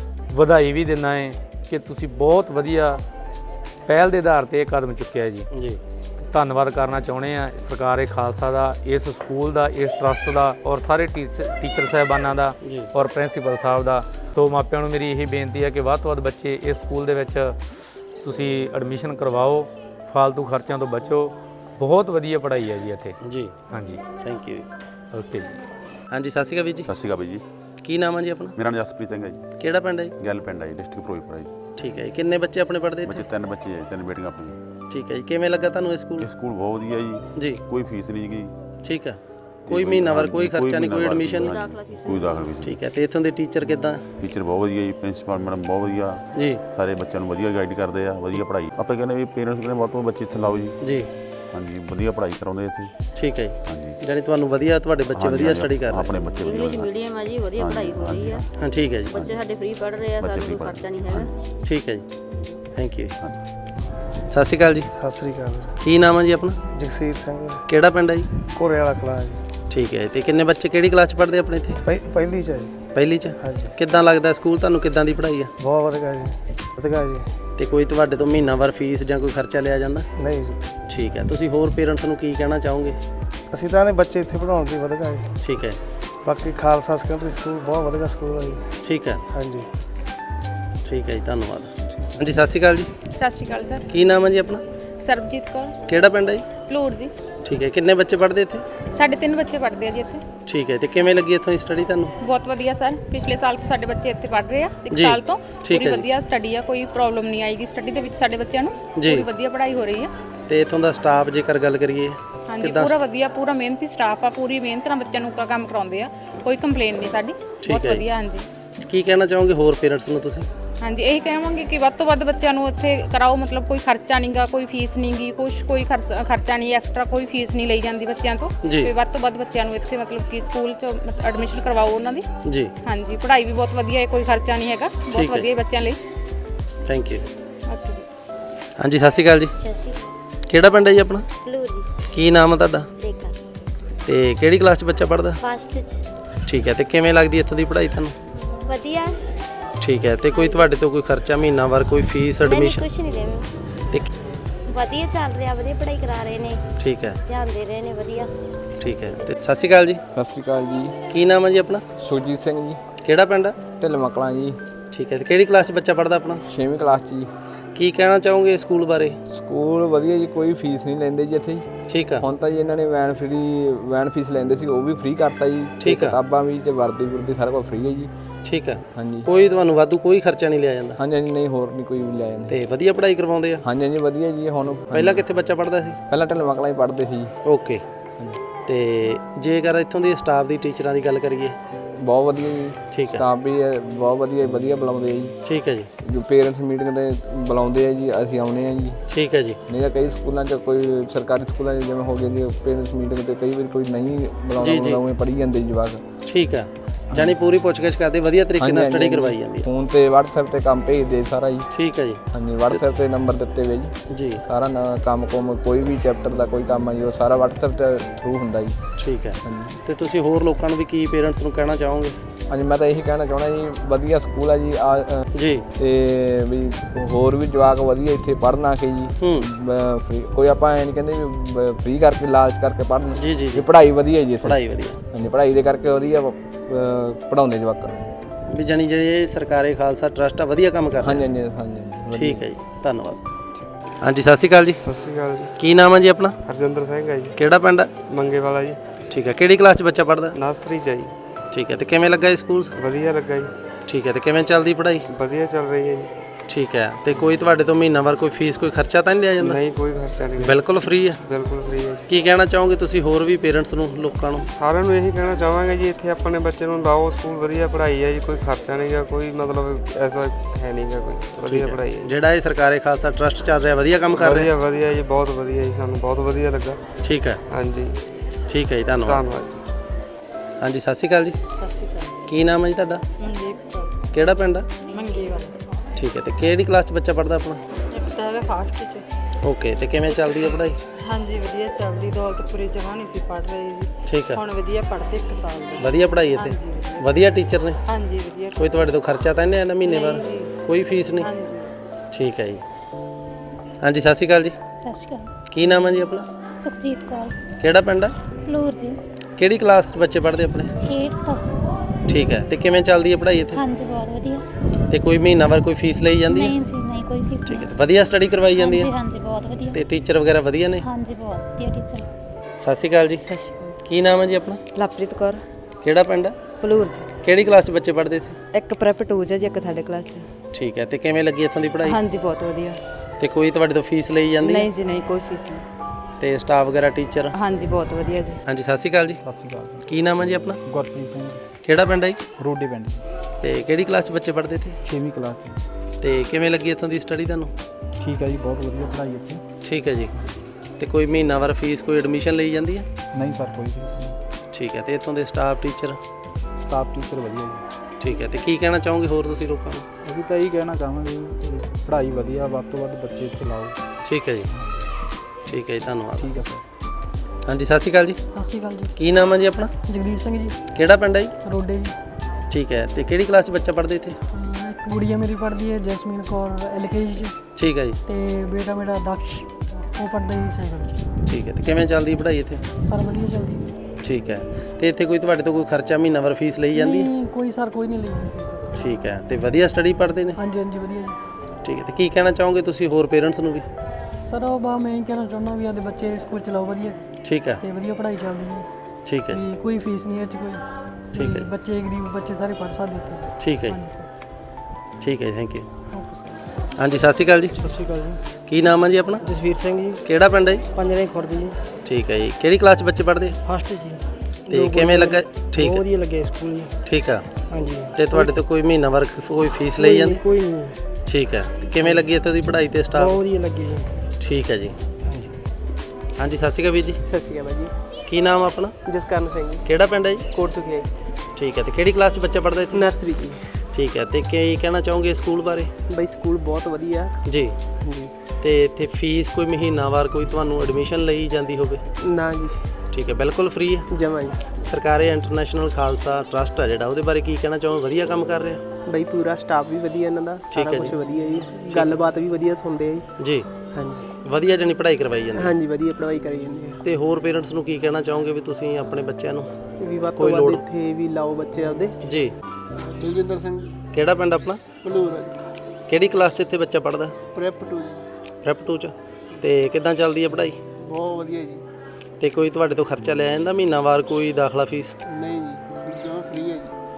S1: ਵਧਾਈ ਵੀ ਦਿੰਦਾ ਹੈ ਕਿ ਤੁਸੀਂ ਬਹੁਤ ਵਧੀਆ ਪਹਿਲ ਦੇ ਆਧਾਰ ਤੇ ਇਹ ਕਦਮ ਚੁੱਕਿਆ ਜੀ। ਜੀ। ਧੰਨਵਾਦ ਕਰਨਾ ਚਾਹੁੰਦੇ ਆ ਸਰਕਾਰੀ ਖਾਲਸਾ ਦਾ, ਇਸ ਸਕੂਲ ਦਾ, ਇਸ ਟਰਸਟ ਦਾ ਔਰ ਸਾਰੇ ਟੀਚਰ ਟੀਚਰ ਸਾਹਿਬਾਨਾਂ ਦਾ ਔਰ ਪ੍ਰਿੰਸੀਪਲ ਸਾਹਿਬ ਦਾ। ਸੋ ਮਾਪਿਆਂ ਨੂੰ ਮੇਰੀ ਇਹੀ ਬੇਨਤੀ ਹੈ ਕਿ ਵੱਧ ਤੋਂ ਵੱਧ ਬੱਚੇ ਇਸ ਸਕੂਲ ਦੇ ਵਿੱਚ ਤੁਸੀਂ ਐਡਮਿਸ਼ਨ ਕਰਵਾਓ, ਫालतू ਖਰਚਿਆਂ ਤੋਂ ਬਚੋ। ਬਹੁਤ ਵਧੀਆ ਪੜ੍ਹਾਈ ਹੈ ਜੀ ਇੱਥੇ ਜੀ। ਹਾਂਜੀ। Thank you. ਓਕੇ ਜੀ। ਹਾਂਜੀ। ਸਤਿ ਸ਼੍ਰੀ ਅਕਾਲ ਵੀਰ ਜੀ।
S6: ਸਤਿ ਸ਼੍ਰੀ ਅਕਾਲ ਜੀ।
S2: ਕੀ ਨਾਮ ਹੈ ਜੀ ਆਪਣਾ?
S6: ਮੇਰਾ ਨਾਮ ਜਸਪ੍ਰੀਤ ਸਿੰਘ ਹੈ ਜੀ।
S2: ਕਿਹੜਾ ਪਿੰਡ ਹੈ ਜੀ?
S6: ਗੱਲ ਪਿੰਡ ਹੈ ਜੀ, ਡਿਸਟ੍ਰਿਕਟ ਫਿਰੋਜ਼ਪੁਰ ਹੈ ਜੀ।
S2: ਠੀਕ ਹੈ ਜੀ। ਕਿੰਨੇ ਬੱਚੇ ਆਪਣੇ ਪੜ੍ਹਦੇ ਇੱਥੇ?
S6: ਬੱਚੇ ਤਿੰਨ ਬੱਚੇ ਹੈ, ਤਿੰਨ ਬੇਟੀਆਂ ਆਪਣੀਆਂ।
S2: ਠੀਕ ਹੈ ਜੀ। ਕਿਵੇਂ ਲੱਗਾ ਤੁਹਾਨੂੰ ਇਹ ਸਕੂਲ?
S6: ਇਹ ਸਕੂਲ ਬਹੁਤ ਵਧੀਆ ਜੀ। ਜੀ। ਕੋਈ ਫੀਸ ਨਹੀਂ ਜੀ। ਠੀਕ ਹੈ। ਕੋਈ ਮਹੀਨਾਵਾਰ ਕੋਈ ਖਰਚਾ ਨਹੀਂ, ਕੋਈ ਐਡਮਿਸ਼ਨ ਨਹੀਂ, ਕੋਈ ਦਾਖਲਾ ਫੀਸ।
S2: ਠੀਕ ਹੈ। ਤੇ ਇੱਥੋਂ ਦੇ ਟੀਚਰ ਕਿੱਦਾਂ?
S6: ਟੀਚਰ ਬਹੁਤ ਵਧੀਆ ਜੀ, ਪ੍ਰਿੰਸੀਪਲ ਮੈਡਮ ਬਹੁਤ ਵਧੀਆ ਜੀ। ਸਾਰੇ ਬੱਚਿਆਂ ਨੂੰ ਵਧੀਆ ਗਾਈਡ ਕਰਦੇ ਆ, ਵਧੀਆ ਪੜ੍ਹਾਈ। ਆਪਾਂ ਕਹਿੰਦੇ ਵੀ ਪੇਰੈਂਟਸ ਕਹਿੰਦੇ ਬਹੁਤ ਬੱਚੇ ਇੱਥੇ ਲਾਓ ਜੀ। ਜੀ। ਹਾਂਜੀ। ਵਧੀਆ ਪੜ੍ਹਾਈ ਕਰਾਉਂਦੇ ਇੱਥੇ। ਠੀਕ ਹੈ ਜੀ। ਹਾਂਜੀ। ਜਾਨੀ ਤੁਹਾਨੂੰ ਵਧੀਆ, ਤੁਹਾਡੇ ਬੱਚੇ ਵਧੀਆ ਸਟੱਡੀ ਕਰ ਰਹੇ? ਆਪਣੇ ਬੱਚੇ ਵਧੀਆ।
S7: ਇੰਗਲਿਸ਼ ਮੀਡੀਅਮ ਆ ਜੀ, ਵਧੀਆ ਪੜ੍ਹਾਈ ਹੋ ਰਹੀ ਆ।
S2: ਹਾਂ। ਠੀਕ ਹੈ ਜੀ।
S7: ਬੱਚੇ ਸਾਡੇ ਫ੍ਰੀ ਪੜ੍ਹ ਰਹੇ ਆ, ਸਾਡਾ ਕੋਈ ਖਰਚਾ ਨਹੀਂ ਹੈਗਾ।
S2: ਠੀਕ ਹੈ ਜੀ। Thank you. ਸਤਿ ਸ਼੍ਰੀ ਅਕਾਲ ਜੀ।
S3: ਸਤਿ ਸ੍ਰੀ ਅਕਾਲ।
S2: ਕੀ ਨਾਮ ਹੈ ਜੀ ਆਪਣਾ?
S3: ਜਗਸੀਰ ਸਿੰਘ।
S2: ਕਿਹੜਾ ਪਿੰਡ ਹੈ ਜੀ?
S3: ਕੋਰੇ ਵਾਲਾ ਕਲਾਂ ਜੀ।
S2: ਠੀਕ ਹੈ। ਤੇ ਕਿੰਨੇ ਬੱਚੇ ਕਿਹੜੀ ਕਲਾਸ 'ਚ ਪੜ੍ਹਦੇ ਆਪਣੇ ਇੱਥੇ?
S3: ਪਹਿਲੀ 'ਚ ਹੈ ਜੀ।
S2: ਪਹਿਲੀ 'ਚ?
S3: ਹਾਂਜੀ।
S2: ਕਿੱਦਾਂ ਲੱਗਦਾ ਸਕੂਲ ਤੁਹਾਨੂੰ, ਕਿੱਦਾਂ ਦੀ ਪੜ੍ਹਾਈ ਆ?
S3: ਬਹੁਤ ਵਧੀਆ ਜੀ, ਵਧੀਆ ਜੀ।
S2: ਤੇ ਕੋਈ ਤੁਹਾਡੇ ਤੋਂ ਮਹੀਨਾਵਾਰ ਫੀਸ ਜਾਂ ਕੋਈ ਖਰਚਾ ਲਿਆ ਜਾਂਦਾ?
S3: ਨਹੀਂ ਜੀ।
S2: ਠੀਕ ਹੈ। ਤੁਸੀਂ ਹੋਰ ਪੇਰੈਂਟਸ ਨੂੰ ਕੀ ਕਹਿਣਾ ਚਾਹੋਗੇ?
S3: ਅਸੀਂ ਤਾਂ ਨੇ ਬੱਚੇ ਇੱਥੇ ਪੜ੍ਹਾਉਣ ਦੀ ਵਧੀਆ ਜੀ।
S2: ਠੀਕ ਹੈ।
S3: ਬਾਕੀ ਖਾਲਸਾ ਸੈਕੰਡਰੀ ਸਕੂਲ ਬਹੁਤ ਵਧੀਆ ਸਕੂਲ ਹੈ ਜੀ।
S2: ਠੀਕ ਹੈ।
S3: ਹਾਂਜੀ।
S2: ਠੀਕ ਹੈ ਜੀ। ਧੰਨਵਾਦ। ਹਾਂਜੀ। ਸਤਿ ਸ਼੍ਰੀ ਅਕਾਲ ਜੀ।
S8: ਸਤਿ ਸ਼੍ਰੀ ਅਕਾਲ ਸਰ।
S2: ਕੀ ਨਾਮ ਹੈ ਜੀ ਆਪਣਾ?
S8: ਸਰਬਜੀਤ ਕੌਰ।
S2: ਕਿਹੜਾ ਪਿੰਡ ਹੈ ਜੀ?
S8: ਪਲੂਰ ਜੀ।
S2: ਠੀਕ ਹੈ। ਕਿੰਨੇ ਬੱਚੇ ਪੜ੍ਹਦੇ ਇੱਥੇ?
S8: ਸਾਡੇ ਤਿੰਨ ਬੱਚੇ ਪੜ੍ਹਦੇ ਆ ਜੀ ਇੱਥੇ।
S2: ਠੀਕ ਹੈ। ਤੇ ਕਿਵੇਂ ਲੱਗੀ ਇੱਥੋਂ ਦੀ ਸਟੱਡੀ ਤੁਹਾਨੂੰ?
S8: ਬਹੁਤ ਵਧੀਆ ਸਰ। ਪਿਛਲੇ ਸਾਲ ਤੋਂ ਸਾਡੇ ਬੱਚੇ ਇੱਥੇ ਪੜ੍ਹ ਰਹੇ ਆ, ਇੱਕ ਸਾਲ ਤੋਂ। ਪੂਰੀ ਵਧੀਆ ਸਟੱਡੀ ਆ, ਕੋਈ ਪ੍ਰੋਬਲਮ ਨਹੀਂ ਆਏਗੀ ਸਟੱਡੀ ਦੇ ਵਿੱਚ ਸਾਡੇ ਬੱਚਿਆਂ ਨੂੰ। ਪੂਰੀ ਵਧੀਆ ਪੜ੍ਹਾਈ ਹੋ ਰਹੀ ਆ।
S2: ਤੇ ਇੱਥੋਂ ਦਾ ਸਟਾਫ ਜੇਕਰ ਗੱਲ ਕਰੀਏ?
S8: ਹਾਂਜੀ। ਪੂਰਾ ਵਧੀਆ, ਪੂਰਾ ਮਿਹਨਤੀ ਸਟਾਫ ਆ, ਪੂਰੀ ਮਿਹਨਤ ਨਾਲ ਬੱਚਿਆਂ ਨੂੰ ਕੰਮ ਕਰਾਉਂਦੇ ਆ, ਕੋਈ ਕੰਪਲੇਨ ਨਹੀਂ ਸਾਡੀ। ਬਹੁਤ ਵਧੀਆ। ਹਾਂਜੀ।
S2: ਕੀ ਕਹਿਣਾ ਚਾਹੋਗੇ ਹੋਰ ਪੇਰੈਂਟਸ ਨੂੰ ਤੁਸੀਂ?
S8: ਹਾਂਜੀ। ਇਹੀ ਕਹਾਂਗੇ ਕਿ ਵੱਧ ਤੋਂ ਵੱਧ ਬੱਚਿਆਂ ਨੂੰ ਇੱਥੇ ਕਰਾਓ, ਮਤਲਬ ਕੋਈ ਖਰਚਾ ਨਹੀਂਗਾ, ਕੋਈ ਫੀਸ ਨਹੀਂਗੀ, ਕੁਛ ਕੋਈ ਖਰਚਾ ਨਹੀਂ, ਐਕਸਟਰਾ ਕੋਈ ਫੀਸ ਨਹੀਂ ਲਈ ਜਾਂਦੀ ਬੱਚਿਆਂ ਤੋਂ। ਤੇ ਵੱਧ ਤੋਂ ਵੱਧ ਬੱਚਿਆਂ ਨੂੰ ਇੱਥੇ ਮਤਲਬ ਕਿ ਸਕੂਲ 'ਚ ਐਡਮਿਸ਼ਨ ਕਰਵਾਓ ਉਹਨਾਂ ਦੀ। ਜੀ। ਹਾਂਜੀ। ਪੜ੍ਹਾਈ ਵੀ ਬਹੁਤ ਵਧੀਆ ਹੈ, ਕੋਈ ਖਰਚਾ ਨਹੀਂ ਹੈਗਾ, ਬਹੁਤ ਵਧੀਆ ਬੱਚਿਆਂ ਲਈ।
S2: Thank you.
S8: ਓਕੇ ਜੀ।
S2: ਹਾਂਜੀ। ਸਤਿ ਸ਼੍ਰੀ ਅਕਾਲ ਜੀ।
S9: ਸਤਿ ਸ਼੍ਰੀ ਅਕਾਲ।
S2: ਕਿਹੜਾ ਪਿੰਡ ਹੈ ਜੀ ਆਪਣਾ?
S9: ਪਲੂਰ ਜੀ।
S2: ਕੀ ਨਾਮ ਹੈ ਤੁਹਾਡਾ?
S9: ਰੇਖਾ।
S2: ਤੇ ਕਿਹੜੀ ਕਲਾਸ 'ਚ ਬੱਚਾ ਪੜ੍ਹਦਾ?
S9: ਫਸਟ 'ਚ।
S2: ਠੀਕ ਹੈ। ਤੇ ਕਿਵੇਂ ਲੱਗਦੀ ਇੱਥੋਂ ਦੀ ਪੜ੍ਹਾਈ ਤੁਹਾਨੂੰ?
S9: ਵਧੀਆ।
S2: ਠੀਕ ਹੈ। ਤੇ ਕੋਈ ਤੁਹਾਡੇ ਤੋਂ ਕੋਈ ਖਰਚਾ ਮਹੀਨਾਵਾਰ, ਕੋਈ ਫੀਸ, ਐਡਮਿਸ਼ਨ?
S9: ਕੁਝ ਨਹੀਂ ਲੈਣਾ।
S2: ਤੇ
S9: ਵਧੀਆ ਚੱਲ ਰਿਹਾ, ਵਧੀਆ ਪੜ੍ਹਾਈ ਕਰਾ ਰਹੇ ਨੇ।
S2: ਠੀਕ ਹੈ।
S9: ਧਿਆਨ ਦੇ ਰਹੇ ਨੇ ਵਧੀਆ।
S2: ਠੀਕ ਹੈ। ਤੇ ਸਤਿ ਸ਼੍ਰੀ ਅਕਾਲ ਜੀ।
S10: ਸਤਿ ਸ਼੍ਰੀ ਅਕਾਲ ਜੀ।
S2: ਕੀ ਨਾਮ ਹੈ ਜੀ ਆਪਣਾ?
S10: ਸੁਰਜੀਤ ਸਿੰਘ ਜੀ।
S2: ਕਿਹੜਾ ਪਿੰਡ?
S10: ਢਿੱਲ ਮਕਲਾਂ ਜੀ।
S2: ਠੀਕ ਹੈ। ਤੇ ਕਿਹੜੀ ਕਲਾਸ 'ਚ ਬੱਚਾ ਪੜ੍ਹਦਾ ਆਪਣਾ?
S10: ਛੇਵੀਂ ਕਲਾਸ 'ਚ ਜੀ।
S2: ਕੀ ਕਹਿਣਾ ਚਾਹੋਗੇ ਸਕੂਲ ਬਾਰੇ?
S10: ਸਕੂਲ ਵਧੀਆ ਜੀ, ਕੋਈ ਫੀਸ ਨਹੀਂ ਲੈਂਦੇ ਜੀ ਇੱਥੇ।
S2: ਠੀਕ ਆ।
S10: ਹੁਣ ਤਾਂ ਜੀ ਇਹਨਾਂ ਨੇ ਵੈਨ ਫ੍ਰੀ ਵੈਨ ਫੀਸ ਲੈਂਦੇ ਸੀ, ਉਹ ਵੀ ਫ੍ਰੀ ਕਰਤਾ ਜੀ।
S2: ਠੀਕ ਆ।
S10: ਕਿਤਾਬਾਂ ਵੀ ਤੇ ਵਰਦੀ ਵਰਦੀ ਸਾਰਾ ਕੁਝ ਫ੍ਰੀ ਹੈ ਜੀ।
S2: ਠੀਕ ਆ।
S10: ਹਾਂਜੀ।
S2: ਕੋਈ ਤੁਹਾਨੂੰ ਵਾਧੂ ਕੋਈ ਖਰਚਾ ਨਹੀਂ ਲਿਆ ਜਾਂਦਾ?
S10: ਹਾਂਜੀ ਹਾਂਜੀ। ਨਹੀਂ, ਹੋਰ ਨਹੀਂ ਕੋਈ ਵੀ ਲਿਆ ਜਾਂਦਾ।
S2: ਤੇ ਵਧੀਆ ਪੜ੍ਹਾਈ ਕਰਵਾਉਂਦੇ ਆ?
S10: ਹਾਂਜੀ ਹਾਂਜੀ। ਵਧੀਆ ਜੀ। ਹੁਣ
S2: ਪਹਿਲਾਂ ਕਿੱਥੇ ਬੱਚਾ ਪੜ੍ਹਦਾ ਸੀ?
S10: ਪਹਿਲਾਂ ਢਿੱਲ ਮਕਲਾਂ ਹੀ ਪੜ੍ਹਦੇ ਸੀ।
S2: ਓਕੇ। ਤੇ ਜੇਕਰ ਇੱਥੋਂ ਦੀ ਸਟਾਫ ਦੀ, ਟੀਚਰਾਂ ਦੀ ਗੱਲ ਕਰੀਏ?
S10: ਬਹੁਤ ਵਧੀਆ ਜੀ।
S2: ਠੀਕ ਹੈ।
S10: ਸਟਾਫ ਵੀ ਹੈ, ਬਹੁਤ ਵਧੀਆ ਵਧੀਆ ਬੁਲਾਉਂਦੇ ਆ ਜੀ।
S2: ਠੀਕ ਹੈ ਜੀ।
S10: ਜੋ ਪੇਰੈਂਟਸ ਮੀਟਿੰਗ ਤੇ ਬੁਲਾਉਂਦੇ ਆ ਜੀ, ਅਸੀਂ ਆਉਂਦੇ ਆ ਜੀ।
S2: ਠੀਕ ਹੈ ਜੀ।
S10: ਨਹੀਂ ਤਾਂ ਕਈ ਸਕੂਲਾਂ 'ਚ ਕੋਈ ਸਰਕਾਰੀ ਸਕੂਲਾਂ 'ਚ ਜਿਵੇਂ ਹੋ ਗਏ ਜੀ ਪੇਰੈਂਟਸ ਮੀਟਿੰਗ ਤੇ ਕਈ ਵਾਰ ਕੋਈ ਨਹੀਂ ਬੁਲਾਉਂਦਾ, ਉਵੇਂ ਪੜ੍ਹੀ ਜਾਂਦੇ ਜੀ ਜਵਾਕ।
S2: ਠੀਕ ਹੈ, ਜਾਨੀ ਪੂਰੀ ਪੁੱਛਗਿੱਛ ਕਰਦੇ, ਵਧੀਆ ਤਰੀਕੇ ਨਾਲ ਸਟੱਡੀ ਕਰਵਾਈ ਜਾਂਦੀ ਹੈ।
S10: ਫੋਨ ਤੇ WhatsApp ਤੇ ਕੰਮ ਭੇਜਦੇ ਸਾਰਾ ਜੀ।
S2: ਠੀਕ ਹੈ ਜੀ।
S10: ਹਾਂਜੀ, WhatsApp ਤੇ ਨੰਬਰ ਦਿੱਤੇ ਹੋਏ ਜੀ।
S2: ਜੀ।
S10: ਸਾਰਾ ਨਾ ਕੰਮ ਕੁਮ ਕੋਈ ਵੀ ਚੈਪਟਰ ਦਾ ਕੋਈ ਕੰਮ ਆ ਜੀ ਉਹ ਸਾਰਾ WhatsApp ਦੇ ਥਰੂ ਹੁੰਦਾ ਜੀ।
S2: ਠੀਕ ਹੈ। ਤੇ ਤੁਸੀਂ ਹੋਰ ਲੋਕਾਂ ਨੂੰ ਵੀ ਕੀ ਪੇਰੈਂਟਸ ਨੂੰ ਕਹਿਣਾ ਚਾਹੋਗੇ?
S10: ਹਾਂਜੀ, ਮੈਂ ਤਾਂ ਇਹੀ ਕਹਿਣਾ ਚਾਹੁੰਦਾ ਜੀ, ਵਧੀਆ ਸਕੂਲ ਆ ਜੀ ਆ
S2: ਜੀ।
S10: ਤੇ ਵੀ ਹੋਰ ਵੀ ਜਵਾਕ ਵਧੀਆ ਇੱਥੇ ਪੜ੍ਹਨ ਆ ਕੇ ਜੀ। ਫ੍ਰੀ ਕੋਈ ਆਪਾਂ ਐ ਨਹੀਂ ਕਹਿੰਦੇ ਵੀ ਫ੍ਰੀ ਕਰਕੇ ਲਾਲਚ ਕਰਕੇ ਪੜ੍ਹਨ।
S2: ਜੀ ਜੀ ਜੀ।
S10: ਪੜ੍ਹਾਈ ਵਧੀਆ ਜੀ ਇੱਥੇ।
S2: ਪੜ੍ਹਾਈ ਵਧੀਆ।
S10: ਹਾਂਜੀ, ਪੜ੍ਹਾਈ ਦੇ ਕਰਕੇ ਵਧੀਆ ਪੜ੍ਹਾਉਂਦੇ ਜਵਾਕਾਂ ਨੂੰ।
S2: ਵੀ ਜਾਨੀ ਜਿਹੜੇ ਸਰਕਾਰੀ ਖਾਲਸਾ ਟਰਸਟ ਆ ਵਧੀਆ ਕੰਮ ਕਰ ਰਿਹਾ।
S10: ਹਾਂਜੀ ਹਾਂਜੀ ਹਾਂਜੀ।
S2: ਠੀਕ ਹੈ ਜੀ, ਧੰਨਵਾਦ। ਹਾਂਜੀ, ਸਤਿ ਸ਼੍ਰੀ ਅਕਾਲ ਜੀ।
S4: ਸਤਿ ਸ਼੍ਰੀ ਅਕਾਲ ਜੀ।
S2: ਕੀ ਨਾਮ ਹੈ ਜੀ ਆਪਣਾ?
S4: ਹਰਜਿੰਦਰ ਸਿੰਘ ਹੈ ਜੀ।
S2: ਕਿਹੜਾ ਪਿੰਡ ਹੈ?
S4: ਮੰਗੇ ਵਾਲਾ ਜੀ।
S2: ਠੀਕ ਹੈ, ਕਿਹੜੀ ਕਲਾਸ 'ਚ ਬੱਚਾ ਪੜ੍ਹਦਾ?
S4: ਨਰਸਰੀ 'ਚ ਹੈ ਜੀ।
S2: ਠੀਕ ਹੈ, ਤੇ ਕਿਵੇਂ ਲੱਗਾ ਇਹ ਸਕੂਲ?
S4: ਵਧੀਆ ਲੱਗਾ ਜੀ।
S2: ਠੀਕ ਹੈ, ਤੇ ਕਿਵੇਂ ਚੱਲਦੀ ਪੜ੍ਹਾਈ?
S4: ਵਧੀਆ ਚੱਲ ਰਹੀ ਹੈ ਜੀ।
S2: ਠੀਕ ਹੈ, ਤੇ ਕੋਈ ਤੁਹਾਡੇ ਤੋਂ ਮਹੀਨਾਵਾਰ ਕੋਈ ਫੀਸ ਕੋਈ ਖਰਚਾ ਤਾਂ ਨਹੀਂ ਲਿਆ ਜਾਂਦਾ?
S4: ਨਹੀਂ, ਕੋਈ ਖਰਚਾ ਨਹੀਂ।
S2: ਬਿਲਕੁਲ ਫ੍ਰੀ ਹੈ।
S4: ਬਿਲਕੁਲ ਫ੍ਰੀ ਹੈ ਜੀ।
S2: ਕੀ ਕਹਿਣਾ ਚਾਹੋਗੇ ਤੁਸੀਂ ਹੋਰ ਵੀ ਪੇਰੈਂਟਸ ਨੂੰ, ਲੋਕਾਂ ਨੂੰ?
S4: ਸਾਰਿਆਂ ਨੂੰ ਇਹੀ ਕਹਿਣਾ ਚਾਹਾਂਗੇ ਜੀ, ਇੱਥੇ ਆਪਣੇ ਬੱਚੇ ਨੂੰ ਲਾਓ, ਸਕੂਲ ਵਧੀਆ ਪੜ੍ਹਾਈ ਹੈ ਜੀ, ਕੋਈ ਖਰਚਾ ਨਹੀਂਗਾ, ਕੋਈ ਮਤਲਬ ਐਸਾ ਹੈ ਨਹੀਂਗਾ, ਕੋਈ ਵਧੀਆ ਪੜ੍ਹਾਈ ਹੈ।
S2: ਜਿਹੜਾ ਇਹ ਸਰਕਾਰੀ ਖਾਲਸਾ ਟਰਸਟ ਚੱਲ ਰਿਹਾ ਵਧੀਆ ਕੰਮ ਕਰ ਰਿਹਾ?
S4: ਵਧੀਆ ਵਧੀਆ ਜੀ, ਬਹੁਤ ਵਧੀਆ ਜੀ, ਸਾਨੂੰ ਬਹੁਤ ਵਧੀਆ ਲੱਗਾ।
S2: ਠੀਕ ਹੈ।
S4: ਹਾਂਜੀ,
S2: ਠੀਕ ਹੈ ਜੀ, ਧੰਨਵਾਦ।
S4: ਧੰਨਵਾਦ ਜੀ।
S2: ਹਾਂਜੀ, ਸਤਿ ਸ਼੍ਰੀ ਅਕਾਲ ਜੀ।
S11: ਸਤਿ ਸ਼੍ਰੀ ਅਕਾਲ।
S2: ਕੀ ਨਾਮ ਹੈ ਜੀ ਤੁਹਾਡਾ?
S11: ਮਨਦੀਪ ਕੌਰ।
S2: ਕਿਹੜਾ ਪਿੰਡ ਆ?
S11: ਮੰਗੇ ਵਾਲਾ।
S2: ਠੀਕ ਹੈ, ਤੇ ਕਿਹੜੀ ਕਲਾਸ 'ਚ ਬੱਚਾ ਪੜ੍ਹਦਾ ਆਪਣਾ?
S11: ਇੱਕ ਤਾਂ ਹੈਗਾ ਫਾਸਟ 'ਚ।
S2: ਓਕੇ, ਤੇ ਕਿਵੇਂ ਚੱਲਦੀ ਹੈ ਪੜ੍ਹਾਈ?
S11: ਹਾਂਜੀ, ਵਧੀਆ ਚੱਲਦੀ। ਦੌਲਤਪੁਰੇ ਜਮਾਂ ਨਹੀਂ ਸੀ ਪੜ੍ਹ ਰਹੇ ਜੀ।
S2: ਠੀਕ ਹੈ।
S11: ਹੁਣ ਵਧੀਆ ਪੜ੍ਹਦੇ ਇੱਕ ਸਾਲ ਦੇ।
S2: ਵਧੀਆ ਪੜ੍ਹਾਈ ਇੱਥੇ?
S11: ਹਾਂਜੀ, ਵਧੀਆ।
S2: ਵਧੀਆ ਟੀਚਰ ਨੇ?
S11: ਹਾਂਜੀ, ਵਧੀਆ।
S2: ਕੋਈ ਤੁਹਾਡੇ ਤੋਂ ਖਰਚਾ ਤਾਂ ਨਹੀਂ ਆਉਂਦਾ ਮਹੀਨੇ ਬਾਅਦ?
S11: ਨਹੀਂ ਜੀ।
S2: ਕੋਈ ਫੀਸ ਨਹੀਂ?
S11: ਹਾਂਜੀ।
S2: ਠੀਕ ਹੈ ਜੀ। ਹਾਂਜੀ, ਸਤਿ ਸ਼੍ਰੀ ਅਕਾਲ ਜੀ।
S12: ਸਤਿ ਸ਼੍ਰੀ ਅਕਾਲ।
S2: ਕੀ ਨਾਮ ਹੈ ਜੀ ਆਪਣਾ?
S12: ਸੁਖਜੀਤ ਕੌਰ।
S2: ਕਿਹੜਾ ਪਿੰਡ ਆ?
S12: ਫਲੂਰ ਜੀ।
S2: ਕਿਹੜੀ ਕਲਾਸ 'ਚ ਬੱਚੇ ਪੜ੍ਹਦੇ ਆਪਣੇ?
S12: ਅੱਠ।
S2: ਠੀਕ ਹੈ, ਤੇ ਕਿਵੇਂ ਚੱਲਦੀ ਹੈ ਪੜ੍ਹਾਈ ਇੱਥੇ?
S12: ਹਾਂਜੀ, ਬਹੁਤ ਵਧੀਆ।
S2: ਤੇ ਕੋਈ ਮਹੀਨਾਵਾਰ ਕੋਈ ਫੀਸ ਲਈ ਜਾਂਦੀ ਹੈ?
S12: ਨਹੀਂ ਜੀ, ਨਹੀਂ ਕੋਈ ਫੀਸ
S2: ਠੀਕ
S12: ਨਹੀਂ।
S2: ਹੈ, ਤੇ ਵਧੀਆ ਸਟੱਡੀ ਕਰਵਾਈ ਜਾਂਦੀ ਹੈ?
S12: ਹਾਂਜੀ ਹਾਂਜੀ, ਬਹੁਤ ਵਧੀਆ।
S2: ਤੇ ਟੀਚਰ ਵਗੈਰਾ ਵਧੀਆ ਨੇ?
S12: ਹਾਂਜੀ, ਬਹੁਤ ਵਧੀਆ ਟੀਚਰ।
S2: ਸਤਿ ਸ਼੍ਰੀ ਅਕਾਲ ਜੀ।
S11: ਸਤਿ ਸ਼੍ਰੀ ਅਕਾਲ।
S2: ਕੀ ਨਾਮ ਹੈ ਜੀ ਆਪਣਾ?
S11: ਲਵਪ੍ਰੀਤ ਕੌਰ।
S2: ਕਿਹੜਾ ਪਿੰਡ ਆ?
S11: ਫਲੂਰ ਜੀ।
S2: ਕਿਹੜੀ ਕਲਾਸ 'ਚ ਬੱਚੇ ਪੜ੍ਹਦੇ ਇੱਥੇ?
S11: ਇੱਕ ਪ੍ਰੈਪ ਟੂ ਜੀ, ਇੱਕ ਥਰਡ ਕਲਾਸ 'ਚ।
S2: ਠੀਕ ਹੈ, ਤੇ ਕਿਵੇਂ ਲੱਗੀ ਇੱਥੋਂ ਦੀ ਪੜ੍ਹਾਈ?
S11: ਹਾਂਜੀ, ਬਹੁਤ ਵਧੀਆ।
S2: ਤੇ ਕੋਈ ਤੁਹਾਡੇ ਤੋਂ ਫੀਸ ਲਈ ਜਾਂਦੀ ਹੈ?
S11: ਨਹੀਂ ਜੀ, ਨਹੀਂ ਕੋਈ ਫੀਸ ਨਹੀਂ।
S2: ਤੇ ਸਟਾਫ ਵਗੈਰਾ ਟੀਚਰ?
S11: ਹਾਂਜੀ, ਬਹੁਤ ਵਧੀਆ ਜੀ।
S2: ਹਾਂਜੀ, ਸਤਿ ਸ਼੍ਰੀ ਅਕਾਲ ਜੀ।
S3: ਸਤਿ ਸ਼੍ਰੀ ਅਕਾਲ।
S2: ਕੀ ਨਾਮ ਹੈ ਜੀ ਆਪਣਾ?
S3: ਗੁਰਪ੍ਰੀਤ ਸਿੰਘ।
S2: ਕਿਹੜਾ ਪਿੰਡ ਹੈ ਜੀ?
S3: ਰੋਡੇ ਪਿੰਡ।
S2: ਤੇ ਕਿਹੜੀ ਕਲਾਸ 'ਚ ਬੱਚੇ ਪੜ੍ਹਦੇ ਇੱਥੇ?
S3: ਛੇਵੀਂ ਕਲਾਸ 'ਚ।
S2: ਤੇ ਕਿਵੇਂ ਲੱਗੀ ਇੱਥੋਂ ਦੀ ਸਟੱਡੀ ਤੁਹਾਨੂੰ?
S3: ਠੀਕ ਹੈ ਜੀ, ਬਹੁਤ ਵਧੀਆ ਪੜ੍ਹਾਈ ਇੱਥੇ।
S2: ਠੀਕ ਹੈ ਜੀ। ਤੇ ਕੋਈ ਮਹੀਨਾਵਾਰ ਫੀਸ ਕੋਈ ਐਡਮਿਸ਼ਨ ਲਈ ਜਾਂਦੀ ਹੈ?
S3: ਨਹੀਂ ਸਰ, ਕੋਈ ਫੀਸ ਨਹੀਂ।
S2: ਠੀਕ ਹੈ, ਤੇ ਇੱਥੋਂ ਦੇ ਸਟਾਫ ਟੀਚਰ?
S3: ਸਟਾਫ ਟੀਚਰ ਵਧੀਆ ਜੀ।
S2: ਠੀਕ ਹੈ, ਤੇ ਕੀ ਕਹਿਣਾ ਚਾਹੋਗੇ ਹੋਰ ਤੁਸੀਂ ਲੋਕਾਂ ਨੂੰ?
S3: ਅਸੀਂ ਤਾਂ ਇਹੀ ਕਹਿਣਾ ਚਾਹਾਂਗੇ ਵੀ ਪੜ੍ਹਾਈ ਵਧੀਆ, ਵੱਧ ਤੋਂ ਵੱਧ ਬੱਚੇ ਇੱਥੇ ਲਾਓ।
S2: ਠੀਕ ਹੈ ਜੀ। ਠੀਕ ਹੈ ਜੀ, ਧੰਨਵਾਦ।
S3: ਠੀਕ ਹੈ ਸਰ।
S2: ਹਾਂਜੀ, ਸਤਿ ਸ਼੍ਰੀ ਅਕਾਲ ਜੀ।
S11: ਸਤਿ ਸ਼੍ਰੀ ਅਕਾਲ ਜੀ।
S2: ਕੀ ਨਾਮ ਹੈ ਜੀ ਆਪਣਾ?
S11: ਜਗਦੀਸ਼ ਸਿੰਘ ਜੀ।
S2: ਕਿਹੜਾ ਪਿੰਡ ਹੈ ਜੀ?
S11: ਰੋਡੇ ਜੀ।
S2: ਠੀਕ ਹੈ, ਤੇ ਕਿਹੜੀ ਕਲਾਸ 'ਚ ਬੱਚਾ ਪੜ੍ਹਦੇ ਇੱਥੇ?
S11: ਇੱਕ ਗੁੜੀਆ ਮੇਰੀ ਪੜ੍ਹਦੀ ਹੈ ਜੈਸਮੀਨ ਕੌਰ, ਐਲ ਕੇ ਜੀ 'ਚ।
S2: ਠੀਕ ਹੈ ਜੀ।
S11: ਤੇ ਬੇਟਾ ਮੇਰਾ ਦਕਸ਼, ਉਹ ਪੜ੍ਹਦਾ ਜੀ ਸੈਕੰਡ 'ਚ।
S2: ਠੀਕ ਹੈ, ਤੇ ਕਿਵੇਂ ਚੱਲਦੀ ਪੜ੍ਹਾਈ ਇੱਥੇ?
S11: ਸਰ ਵਧੀਆ ਚੱਲਦੀ ਹੈ।
S2: ਠੀਕ ਹੈ, ਤੇ ਇੱਥੇ ਕੋਈ ਤੁਹਾਡੇ ਤੋਂ ਕੋਈ ਖਰਚਾ ਮਹੀਨਾਵਾਰ ਫੀਸ ਲਈ ਜਾਂਦੀ ਹੈ?
S11: ਨਹੀਂ, ਕੋਈ ਸਰ ਕੋਈ ਨਹੀਂ ਲਈ ਜਾਂਦੀ ਫੀਸ।
S2: ਠੀਕ ਹੈ, ਤੇ ਵਧੀਆ ਸਟੱਡੀ ਪੜ੍ਹਦੇ ਨੇ?
S11: ਹਾਂਜੀ ਹਾਂਜੀ, ਵਧੀਆ ਜੀ।
S2: ਠੀਕ ਹੈ, ਤੇ ਕੀ ਕਹਿਣਾ ਚਾਹੋਗੇ ਤੁਸੀਂ ਹੋਰ ਪੇਰੈਂਟਸ ਨੂੰ ਵੀ?
S11: ਸਰ ਉਹ ਬਾ ਮੈਂ ਇਹ ਕਹਿਣਾ ਚਾਹੁੰਦਾ ਵੀ ਆਦੇ ਬੱਚੇ ਸਕੂਲ ਚਲਾਓ ਵਧੀਆ,
S2: ਠੀਕ ਹੈ,
S11: ਤੇ ਵਧੀਆ ਪੜ੍ਹਾਈ ਚੱਲਦੀ ਹੈ।
S2: ਠੀਕ ਹੈ ਜੀ।
S11: ਵੀ ਕੋਈ ਫੀਸ ਨਹੀਂ ਇਹ 'ਚ ਕੋਈ।
S2: ਠੀਕ ਹੈ।
S11: ਵੀ ਬੱਚੇ ਗਰੀਬ ਬੱਚੇ ਸਾਰੇ ਪੜ੍ਹ ਸਕਦੇ ਇੱਥੇ।
S2: ਠੀਕ ਹੈ ਜੀ।
S11: ਹਾਂਜੀ ਸਰ।
S2: ਠੀਕ ਹੈ, ਥੈਂਕ ਯੂ।
S11: Okay sir.
S2: ਹਾਂਜੀ, ਸਤਿ ਸ਼੍ਰੀ ਅਕਾਲ ਜੀ।
S5: ਸਤਿ ਸ਼੍ਰੀ ਅਕਾਲ ਜੀ।
S2: ਕੀ ਨਾਮ ਹੈ ਜੀ ਆਪਣਾ?
S5: ਜਸਵੀਰ ਸਿੰਘ ਜੀ।
S2: ਕਿਹੜਾ ਪਿੰਡ ਹੈ ਜੀ?
S5: ਪੰਜਵੇਂ ਖੁਰਦ ਜੀ।
S2: ਠੀਕ ਹੈ ਜੀ। ਕਿਹੜੀ ਕਲਾਸ 'ਚ ਬੱਚੇ ਪੜ੍ਹਦੇ?
S5: ਫਸਟ ਜੀ।
S2: ਤੇ ਕਿਵੇਂ ਲੱਗਾ? ਠੀਕ
S5: ਬਹੁਤ
S2: ਹੈ,
S5: ਵਧੀਆ ਲੱਗਿਆ ਸਕੂਲ ਜੀ।
S2: ਠੀਕ ਆ।
S5: ਹਾਂਜੀ।
S2: ਤੇ ਤੁਹਾਡੇ ਤੋਂ ਕੋਈ ਮਹੀਨਾਵਾਰ ਕੋਈ ਫੀਸ ਲਈ ਜਾਂਦੀ?
S5: ਕੋਈ ਨਹੀਂ।
S2: ਠੀਕ ਹੈ, ਤੇ ਕਿਵੇਂ ਲੱਗੀ ਇੱਥੇ ਦੀ ਪੜ੍ਹਾਈ ਤੇ ਸਟਾਫ?
S5: ਬਹੁਤ ਵਧੀਆ ਲੱਗੀ ਜੀ।
S2: ਠੀਕ ਹੈ ਜੀ।
S5: ਹਾਂਜੀ।
S2: ਹਾਂਜੀ, ਸਤਿ ਸ਼੍ਰੀ ਅਕਾਲ ਵੀਰ ਜੀ।
S5: ਸਤਿ ਸ਼੍ਰੀ ਅਕਾਲ ਜੀ।
S2: ਕੀ ਨਾਮ ਆਪਣਾ?
S5: ਜਸਕਰਨ ਸਿੰਘ ਜੀ।
S2: ਕਿਹੜਾ ਪਿੰਡ ਹੈ ਜੀ?
S5: ਕੋਟ ਸੁਖਿਆ ਜੀ।
S2: ਠੀਕ ਹੈ, ਤੇ ਕਿਹੜੀ ਕਲਾਸ 'ਚ ਬੱਚਾ ਪੜ੍ਹਦਾ ਇੱਥੇ?
S5: ਨਰਸਰੀ ਜੀ।
S2: ਠੀਕ ਹੈ, ਤੇ ਕੀ ਕਹਿਣਾ ਚਾਹੋਗੇ ਸਕੂਲ ਬਾਰੇ?
S5: ਬਈ ਸਕੂਲ ਬਹੁਤ ਵਧੀਆ
S2: ਜੀ
S5: ਜੀ।
S2: ਤੇ ਇੱਥੇ ਫੀਸ ਕੋਈ ਮਹੀਨਾਵਾਰ ਕੋਈ ਤੁਹਾਨੂੰ ਐਡਮਿਸ਼ਨ ਲਈ ਜਾਂਦੀ ਹੋਵੇ?
S5: ਨਾ ਜੀ।
S2: ਠੀਕ ਹੈ, ਬਿਲਕੁਲ ਫ੍ਰੀ ਹੈ
S5: ਜਮਾ ਜੀ।
S2: ਸਰਕਾਰੀ ਇੰਟਰਨੈਸ਼ਨਲ ਖਾਲਸਾ ਟਰਸਟ ਹੈ ਜਿਹੜਾ, ਉਹਦੇ ਬਾਰੇ ਕੀ ਕਹਿਣਾ ਚਾਹੋਗੇ? ਵਧੀਆ ਕੰਮ ਕਰ ਰਿਹਾ?
S5: ਬਈ ਪੂਰਾ ਸਟਾਫ ਵੀ ਵਧੀਆ ਇਹਨਾਂ ਦਾ, ਸਾਰਾ
S2: ਹੈ
S5: ਕੁਝ
S2: ਜੀ।
S5: ਵਧੀਆ ਜੀ। ਗੱਲਬਾਤ ਵੀ ਵਧੀਆ ਸੁਣਦੇ ਆ ਜੀ।
S2: ਜੀ।
S5: ਹਾਂਜੀ।
S2: ਵਧੀਆ ਜਾਨੀ ਪੜ੍ਹਾਈ ਕਰਵਾਈ ਜਾਂਦੀ ਹੈ?
S5: ਹਾਂਜੀ, ਵਧੀਆ ਪੜ੍ਹਾਈ ਕਰੀ ਜਾਂਦੀ ਹੈ।
S2: ਤੇ ਹੋਰ ਪੇਰੈਂਟਸ ਨੂੰ ਕੀ ਕਹਿਣਾ ਚਾਹੋਗੇ ਵੀ ਤੁਸੀਂ ਆਪਣੇ ਬੱਚਿਆਂ ਨੂੰ
S5: ਵੀ ਵੱਧ ਤੋਂ
S2: ਕੋਈ
S5: ਵੱਧ
S2: ਲੋੜ?
S5: ਇੱਥੇ ਵੀ ਲਾਓ ਬੱਚੇ ਆਪਦੇ।
S2: ਜੀ।
S3: ਬਲਜਿੰਦਰ ਸਿੰਘ।
S2: ਕਿਹੜਾ ਪਿੰਡ ਆਪਣਾ?
S3: ਭਲੂਰ।
S2: ਕਿਹੜੀ ਕਲਾਸ 'ਚ ਇੱਥੇ ਬੱਚਾ ਪੜ੍ਹਦਾ?
S3: ਪ੍ਰੈਪ ਟੂ ਜੀ।
S2: ਪ੍ਰੈਪ ਟੂ 'ਚ। ਤੇ ਕਿੱਦਾਂ ਚੱਲਦੀ ਹੈ ਪੜ੍ਹਾਈ?
S3: ਬਹੁਤ ਵਧੀਆ ਜੀ।
S2: ਤੇ ਕੋਈ ਤੁਹਾਡੇ ਤੋਂ ਖਰਚਾ ਲਿਆ ਜਾਂਦਾ ਮਹੀਨਾਵਾਰ ਕੋਈ ਦਾਖਲਾ ਫੀਸ?
S3: ਨਹੀਂ ਜੀ, ਜਮਾਂ ਫ੍ਰੀ ਹੈ ਜੀ।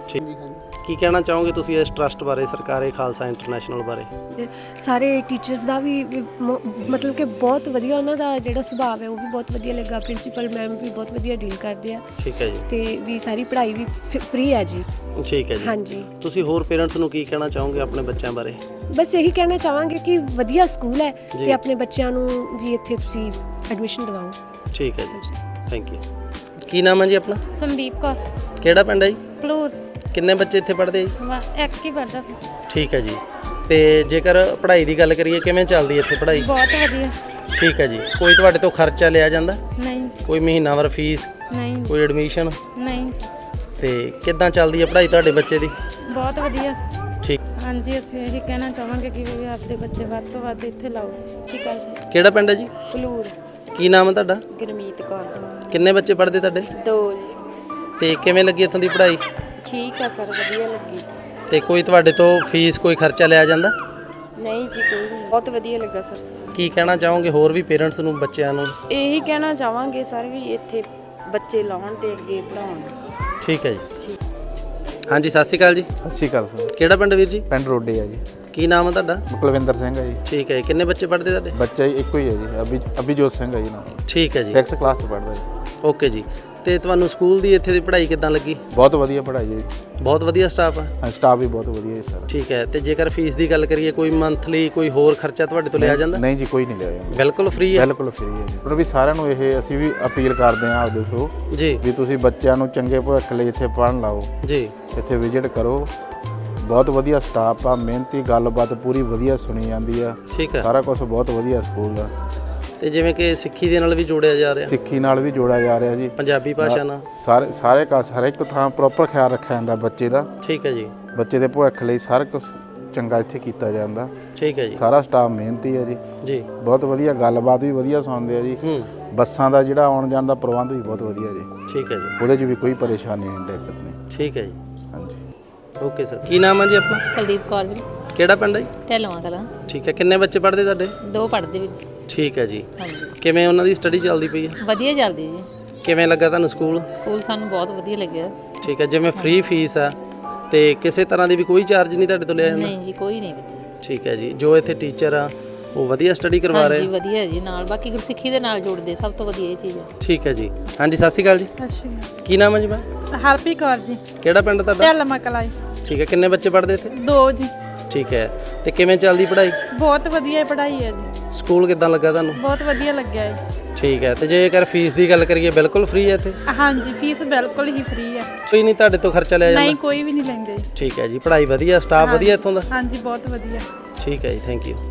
S2: ਠੀਕ ਕੀ ਕਹਿਣਾ ਚਾਹੋਗੇ ਤੁਸੀਂ ਇਸ ਟਰਸਟ ਬਾਰੇ, ਸਰਕਾਰੀ ਖਾਲਸਾ ਇੰਟਰਨੈਸ਼ਨਲ ਬਾਰੇ?
S13: ਸਾਰੇ ਟੀਚਰਸ ਦਾ ਵੀ ਵੀ ਮ- ਮਤਲਬ ਕਿ ਬਹੁਤ ਵਧੀਆ, ਉਹਨਾਂ ਦਾ ਜਿਹੜਾ ਸੁਭਾਅ ਹੈ ਉਹ ਵੀ ਬਹੁਤ ਵਧੀਆ ਲੱਗਾ। ਪ੍ਰਿੰਸੀਪਲ ਮੈਮ ਵੀ ਬਹੁਤ ਵਧੀਆ ਡੀਲ ਕਰਦੇ ਆ।
S2: ਠੀਕ ਹੈ ਜੀ।
S13: ਤੇ ਵੀ ਸਾਰੀ ਪੜ੍ਹਾਈ ਵੀ ਫ੍ਰੀ ਹੈ ਜੀ।
S2: ਠੀਕ ਹੈ ਜੀ।
S13: ਹਾਂਜੀ।
S2: ਤੁਸੀਂ ਹੋਰ ਪੇਰੈਂਟਸ ਨੂੰ ਕੀ ਕਹਿਣਾ ਚਾਹੋਗੇ ਆਪਣੇ ਬੱਚਿਆਂ ਬਾਰੇ?
S13: ਬਸ ਇਹੀ ਕਹਿਣਾ ਚਾਹਾਂਗੇ ਕਿ ਵਧੀਆ ਸਕੂਲ ਹੈ ਤੇ ਆਪਣੇ ਬੱਚਿਆਂ ਨੂੰ ਵੀ ਇੱਥੇ ਤੁਸੀਂ ਐਡਮਿਸ਼ਨ ਦਿਵਾਓ।
S2: ਠੀਕ ਹੈ ਜੀ, ਥੈਂਕ ਯੂ। ਕੀ ਨਾਮ ਹੈ ਜੀ ਆਪਣਾ?
S8: ਸੰਦੀਪ ਕੌਰ।
S2: ਕਿਹੜਾ ਪਿੰਡ ਹੈ ਜੀ?
S8: ਪਲੂਰ।
S2: ਕਿੰਨੇ ਬੱਚੇ ਇੱਥੇ ਪੜ੍ਹਦੇ ਜੀ?
S8: ਇੱਕ ਹੀ ਪੜਦਾ ਸੀ।
S2: ਠੀਕ ਹੈ ਜੀ। ਤੇ ਜੇਕਰ ਪੜ੍ਹਾਈ ਦੀ ਗੱਲ ਕਰੀਏ, ਕਿਵੇਂ ਚੱਲਦੀ ਹੈ ਇੱਥੇ ਪੜ੍ਹਾਈ?
S8: ਬਹੁਤ ਵਧੀਆ।
S2: ਠੀਕ ਹੈ ਜੀ। ਕੋਈ ਤੁਹਾਡੇ ਤੋਂ ਖਰਚਾ ਲਿਆ ਜਾਂਦਾ?
S8: ਨਹੀਂ।
S2: ਕੋਈ ਮਹੀਨਾਵਾਰ ਫੀਸ?
S8: ਨਹੀਂ।
S2: ਕੋਈ ਐਡਮਿਸ਼ਨ?
S8: ਨਹੀਂ।
S2: ਤੇ ਕਿੱਦਾਂ ਚੱਲਦੀ ਹੈ ਪੜ੍ਹਾਈ ਤੁਹਾਡੇ ਬੱਚੇ ਦੀ?
S8: ਬਹੁਤ ਵਧੀਆ।
S2: ਠੀਕ।
S8: ਹਾਂਜੀ, ਅਸੀਂ ਇਹ ਕਹਿਣਾ ਚਾਹਾਂਗੇ ਕਿ ਵੀ ਆਪਦੇ ਬੱਚੇ ਵੱਧ ਤੋਂ ਵੱਧ ਇੱਥੇ ਲਾਓ। ਠੀਕ ਹੈ ਜੀ।
S2: ਕਿਹੜਾ ਪਿੰਡ ਹੈ ਜੀ?
S8: ਪਲੂਰ।
S2: ਕੀ ਨਾਮ ਹੈ ਤੁਹਾਡਾ?
S8: ਗੁਰਮੀਤ ਕੌਰ।
S2: ਕਿੰਨੇ ਬੱਚੇ ਪੜ੍ਹਦੇ ਤੁਹਾਡੇ?
S8: ਦੋ ਜੀ।
S2: ਤੇ ਕਿਵੇਂ ਲੱਗੀ ਇੱਥੋਂ ਦੀ ਪੜ੍ਹਾਈ?
S8: ਠੀਕ ਆ ਸਰ, ਵਧੀਆ ਲੱਗੀ।
S2: ਤੇ ਕੋਈ ਤੁਹਾਡੇ ਤੋਂ ਫੀਸ, ਕੋਈ ਖਰਚਾ ਲਿਆ ਜਾਂਦਾ?
S8: ਨਹੀਂ ਜੀ, ਕੋਈ ਨਹੀਂ। ਬਹੁਤ ਵਧੀਆ ਲੱਗਾ ਸਰ।
S2: ਕੀ ਕਹਿਣਾ ਚਾਹੋਗੇ ਹੋਰ ਵੀ ਪੇਰੈਂਟਸ ਨੂੰ, ਬੱਚਿਆਂ ਨੂੰ?
S8: ਇਹੀ ਕਹਿਣਾ ਚਾਹਾਂਗੇ ਸਰ ਵੀ ਇੱਥੇ ਬੱਚੇ ਲਾਉਣ ਤੇ ਅੱਗੇ ਪੜਾਉਣ।
S2: ਠੀਕ ਹੈ ਜੀ। ਹਾਂਜੀ, ਸਤਿ ਸ਼੍ਰੀ ਅਕਾਲ ਜੀ।
S3: ਸਤਿ ਸ਼੍ਰੀ ਅਕਾਲ ਸਰ।
S2: ਕਿਹੜਾ ਪਿੰਡ ਵੀਰ ਜੀ?
S3: ਪਿੰਡ ਰੋਡੇ ਆ ਜੀ।
S2: ਕੀ ਨਾਮ ਹੈ ਤੁਹਾਡਾ?
S3: ਕੁਲਵਿੰਦਰ ਸਿੰਘ ਹੈ ਜੀ।
S2: ਠੀਕ ਹੈ। ਕਿੰਨੇ ਬੱਚੇ ਪੜ੍ਹਦੇ ਤੁਹਾਡੇ?
S3: ਬੱਚਾ ਜੀ ਇੱਕੋ ਹੀ ਹੈ ਜੀ, ਅਭੀ ਅਭਿਜੋਤ ਸਿੰਘ ਹੈ ਜੀ ਨਾਮ।
S2: ਠੀਕ ਹੈ ਜੀ।
S3: ਸਿਕਸ ਕਲਾਸ 'ਚ ਪੜ੍ਹਦਾ ਜੀ।
S2: ਓਕੇ ਜੀ। ਤੇ ਤੁਹਾਨੂੰ ਸਕੂਲ ਦੀ ਇੱਥੇ ਦੀ ਪੜ੍ਹਾਈ ਕਿੱਦਾਂ ਲੱਗੀ?
S3: ਬਹੁਤ ਵਧੀਆ ਪੜ੍ਹਾਈ ਹੈ ਜੀ।
S2: ਬਹੁਤ ਵਧੀਆ ਸਟਾਫ ਆ?
S3: ਹਾਂ, ਸਟਾਫ ਵੀ ਬਹੁਤ ਵਧੀਆ ਹੈ ਸਰ।
S2: ਠੀਕ ਹੈ। ਤੇ ਜੇਕਰ ਫੀਸ ਦੀ ਗੱਲ ਕਰੀਏ, ਕੋਈ ਮੰਥਲੀ ਕੋਈ ਹੋਰ ਖਰਚਾ ਤੁਹਾਡੇ ਤੋਂ ਲਿਆ ਜਾਂਦਾ?
S3: ਨਹੀਂ ਜੀ, ਕੋਈ ਨਹੀਂ ਲਿਆ ਜਾਂਦਾ।
S2: ਬਿਲਕੁਲ ਫ੍ਰੀ ਹੈ?
S3: ਬਿਲਕੁਲ ਫ੍ਰੀ ਹੈ ਜੀ। ਪਰ ਵੀ ਸਾਰਿਆਂ ਨੂੰ ਇਹ ਅਸੀਂ ਵੀ ਅਪੀਲ ਕਰਦੇ ਹਾਂ ਆਪਦੇ ਤੋਂ
S2: ਜੀ
S3: ਵੀ ਤੁਸੀਂ ਬੱਚਿਆਂ ਨੂੰ ਚੰਗੇ ਭਵਿੱਖ ਲਈ ਇੱਥੇ ਪੜ੍ਹਨ ਲਾਓ
S2: ਜੀ।
S3: ਇੱਥੇ ਵਿਜ਼ਿਟ ਕਰੋ। ਬਹੁਤ ਵਧੀਆ ਸਟਾਫ ਆ, ਮਿਹਨਤੀ, ਗੱਲਬਾਤ ਪੂਰੀ ਵਧੀਆ ਸੁਣੀ ਜਾਂਦੀ ਆ।
S2: ਠੀਕ ਹੈ।
S3: ਸਾਰਾ ਕੁਝ ਬਹੁਤ ਵਧੀਆ ਸਕੂਲ ਦਾ।
S2: ਤੇ ਜਿਵੇਂ ਕਿ ਸਿੱਖੀ ਦੇ ਨਾਲ ਵੀ ਜੋੜਿਆ ਜਾ ਰਿਹਾ?
S3: ਸਿੱਖੀ ਨਾਲ ਵੀ ਜੋੜਿਆ ਜਾ ਰਿਹਾ ਜੀ।
S2: ਪੰਜਾਬੀ ਭਾਸ਼ਾ ਨਾਲ?
S3: ਸਾਰੇ ਸਾਰੇ ਕਾ ਹਰ ਇੱਕ ਥਾਂ ਪ੍ਰੋਪਰ ਖਿਆਲ ਰੱਖਿਆ ਜਾਂਦਾ ਬੱਚੇ ਦਾ।
S2: ਠੀਕ ਹੈ ਜੀ।
S3: ਬੱਚੇ ਦੇ ਭਵਿੱਖ ਲਈ ਸਾਰਾ ਕੁਝ ਚੰਗਾ ਇੱਥੇ ਕੀਤਾ ਜਾਂਦਾ।
S2: ਠੀਕ ਹੈ ਜੀ।
S3: ਸਾਰਾ ਸਟਾਫ ਮਿਹਨਤੀ ਹੈ ਜੀ।
S2: ਜੀ।
S3: ਬਹੁਤ ਵਧੀਆ, ਗੱਲਬਾਤ ਵੀ ਵਧੀਆ ਸੁਣਦੇ ਆ ਜੀ।
S2: ਹੂੰ।
S3: ਬੱਸਾਂ ਦਾ ਜਿਹੜਾ ਆਉਣ ਜਾਣ ਦਾ ਪ੍ਰਬੰਧ ਵੀ ਬਹੁਤ ਵਧੀਆ ਜੀ।
S2: ਠੀਕ ਹੈ ਜੀ।
S3: ਉਹਦੇ 'ਚ ਵੀ ਕੋਈ ਪਰੇਸ਼ਾਨੀ ਨਹੀਂ, ਦਿੱਕਤ ਨਹੀਂ।
S2: ਠੀਕ ਹੈ ਜੀ।
S3: ਹਾਂਜੀ।
S2: Okay sir. ਕੀ ਨਾਮ ਹੈ ਜੀ ਆਪਣਾ?
S12: ਕੁਲਦੀਪ ਕੌਰ ਵੀਰ।
S2: ਕਿਹੜਾ ਪਿੰਡ ਹੈ ਜੀ?
S12: ਢਿੱਲਵਾਂ ਕਲਾਂ।
S2: ਠੀਕ ਹੈ। ਕਿੰਨੇ ਬੱਚੇ ਪੜ੍ਹਦੇ ਤੁਹਾਡੇ?
S12: ਦੋ ਪੜ੍ਹਦੇ ਵੀਰ ਜੀ।
S2: ਠੀਕ ਹੈ ਜੀ।
S12: ਹਾਂਜੀ।
S2: ਕਿਵੇਂ ਉਹਨਾਂ ਦੀ ਸਟੱਡੀ ਚੱਲਦੀ ਪਈ ਹੈ?
S12: ਵਧੀਆ ਚੱਲਦੀ ਜੀ।
S2: ਕਿਵੇਂ ਲੱਗਾ ਤੁਹਾਨੂੰ ਸਕੂਲ?
S12: ਸਕੂਲ ਸਾਨੂੰ ਬਹੁਤ ਵਧੀਆ ਲੱਗਿਆ।
S2: ਠੀਕ ਹੈ। ਜਿਵੇਂ ਫ੍ਰੀ ਫੀਸ ਆ ਤੇ ਕਿਸੇ ਤਰ੍ਹਾਂ ਦੀ ਵੀ ਕੋਈ ਚਾਰਜ ਨਹੀਂ ਤੁਹਾਡੇ ਤੋਂ ਲਿਆ ਜਾਂਦਾ?
S12: ਨਹੀਂ ਜੀ, ਕੋਈ ਨਹੀਂ ਵੀਰ।
S2: ਠੀਕ ਹੈ ਜੀ। ਜੋ ਇੱਥੇ ਟੀਚਰ ਆ ਉਹ ਵਧੀਆ ਸਟੱਡੀ ਕਰਵਾ ਰਹੇ?
S12: ਹਾਂਜੀ, ਵਧੀਆ ਜੀ। ਨਾਲ ਬਾਕੀ ਗੁਰਸਿੱਖੀ ਦੇ ਨਾਲ ਜੋੜਦੇ, ਸਭ ਤੋਂ ਵਧੀਆ ਇਹ ਚੀਜ਼ ਹੈ।
S2: ਠੀਕ ਹੈ ਜੀ। ਹਾਂਜੀ, ਸਤਿ ਸ਼੍ਰੀ ਅਕਾਲ ਜੀ।
S8: ਸਤਿ ਸ਼੍ਰੀ ਅਕਾਲ।
S2: ਕੀ ਨਾਮ ਹੈ ਜੀ? ਮੈਂ
S8: ਹਰਪ੍ਰੀਤ ਕੌਰ ਜੀ।
S2: ਕਿਹੜਾ ਪਿੰਡ ਤੁਹਾਡਾ?
S8: ਢਿੱਲਵਾਂ ਕਲਾਂ ਜੀ।
S2: ਠੀਕ ਹੈ। ਕਿੰਨੇ ਬੱਚੇ ਪੜ੍ਹਦੇ ਇੱਥੇ?
S8: ਦੋ ਜੀ।
S2: ਠੀਕ ਹੈ। ਤੇ ਕਿਵੇਂ ਚੱਲਦੀ ਪੜ੍ਹਾਈ?
S8: ਬਹੁਤ ਵਧੀਆ ਪੜ੍ਹਾਈ ਹੈ ਜੀ।
S2: ਸਕੂਲ ਕਿੱਦਾਂ ਲੱਗਾ ਤੁਹਾਨੂੰ?
S8: ਬਹੁਤ ਵਧੀਆ ਲੱਗਿਆ ਜੀ।
S2: ਠੀਕ ਹੈ। ਤੇ ਜੇਕਰ ਫੀਸ ਦੀ ਗੱਲ ਕਰੀਏ, ਬਿਲਕੁਲ ਫ੍ਰੀ ਹੈ ਇੱਥੇ?
S8: ਹਾਂਜੀ, ਫੀਸ ਬਿਲਕੁਲ ਹੀ ਫ੍ਰੀ ਹੈ।
S2: ਕੋਈ ਨਹੀਂ ਤੁਹਾਡੇ ਤੋਂ ਖਰਚਾ ਲਿਆ ਜਾਂਦਾ?
S8: ਨਹੀਂ, ਕੋਈ ਵੀ ਨਹੀਂ ਲੈਂਦੇ।
S2: ਠੀਕ ਹੈ ਜੀ। ਪੜ੍ਹਾਈ ਵਧੀਆ, ਸਟਾਫ ਵਧੀਆ ਇੱਥੋਂ ਦਾ?
S8: ਹਾਂਜੀ, ਬਹੁਤ ਵਧੀਆ।
S2: ਠੀਕ ਹੈ ਜੀ, ਥੈਂਕ ਯੂ।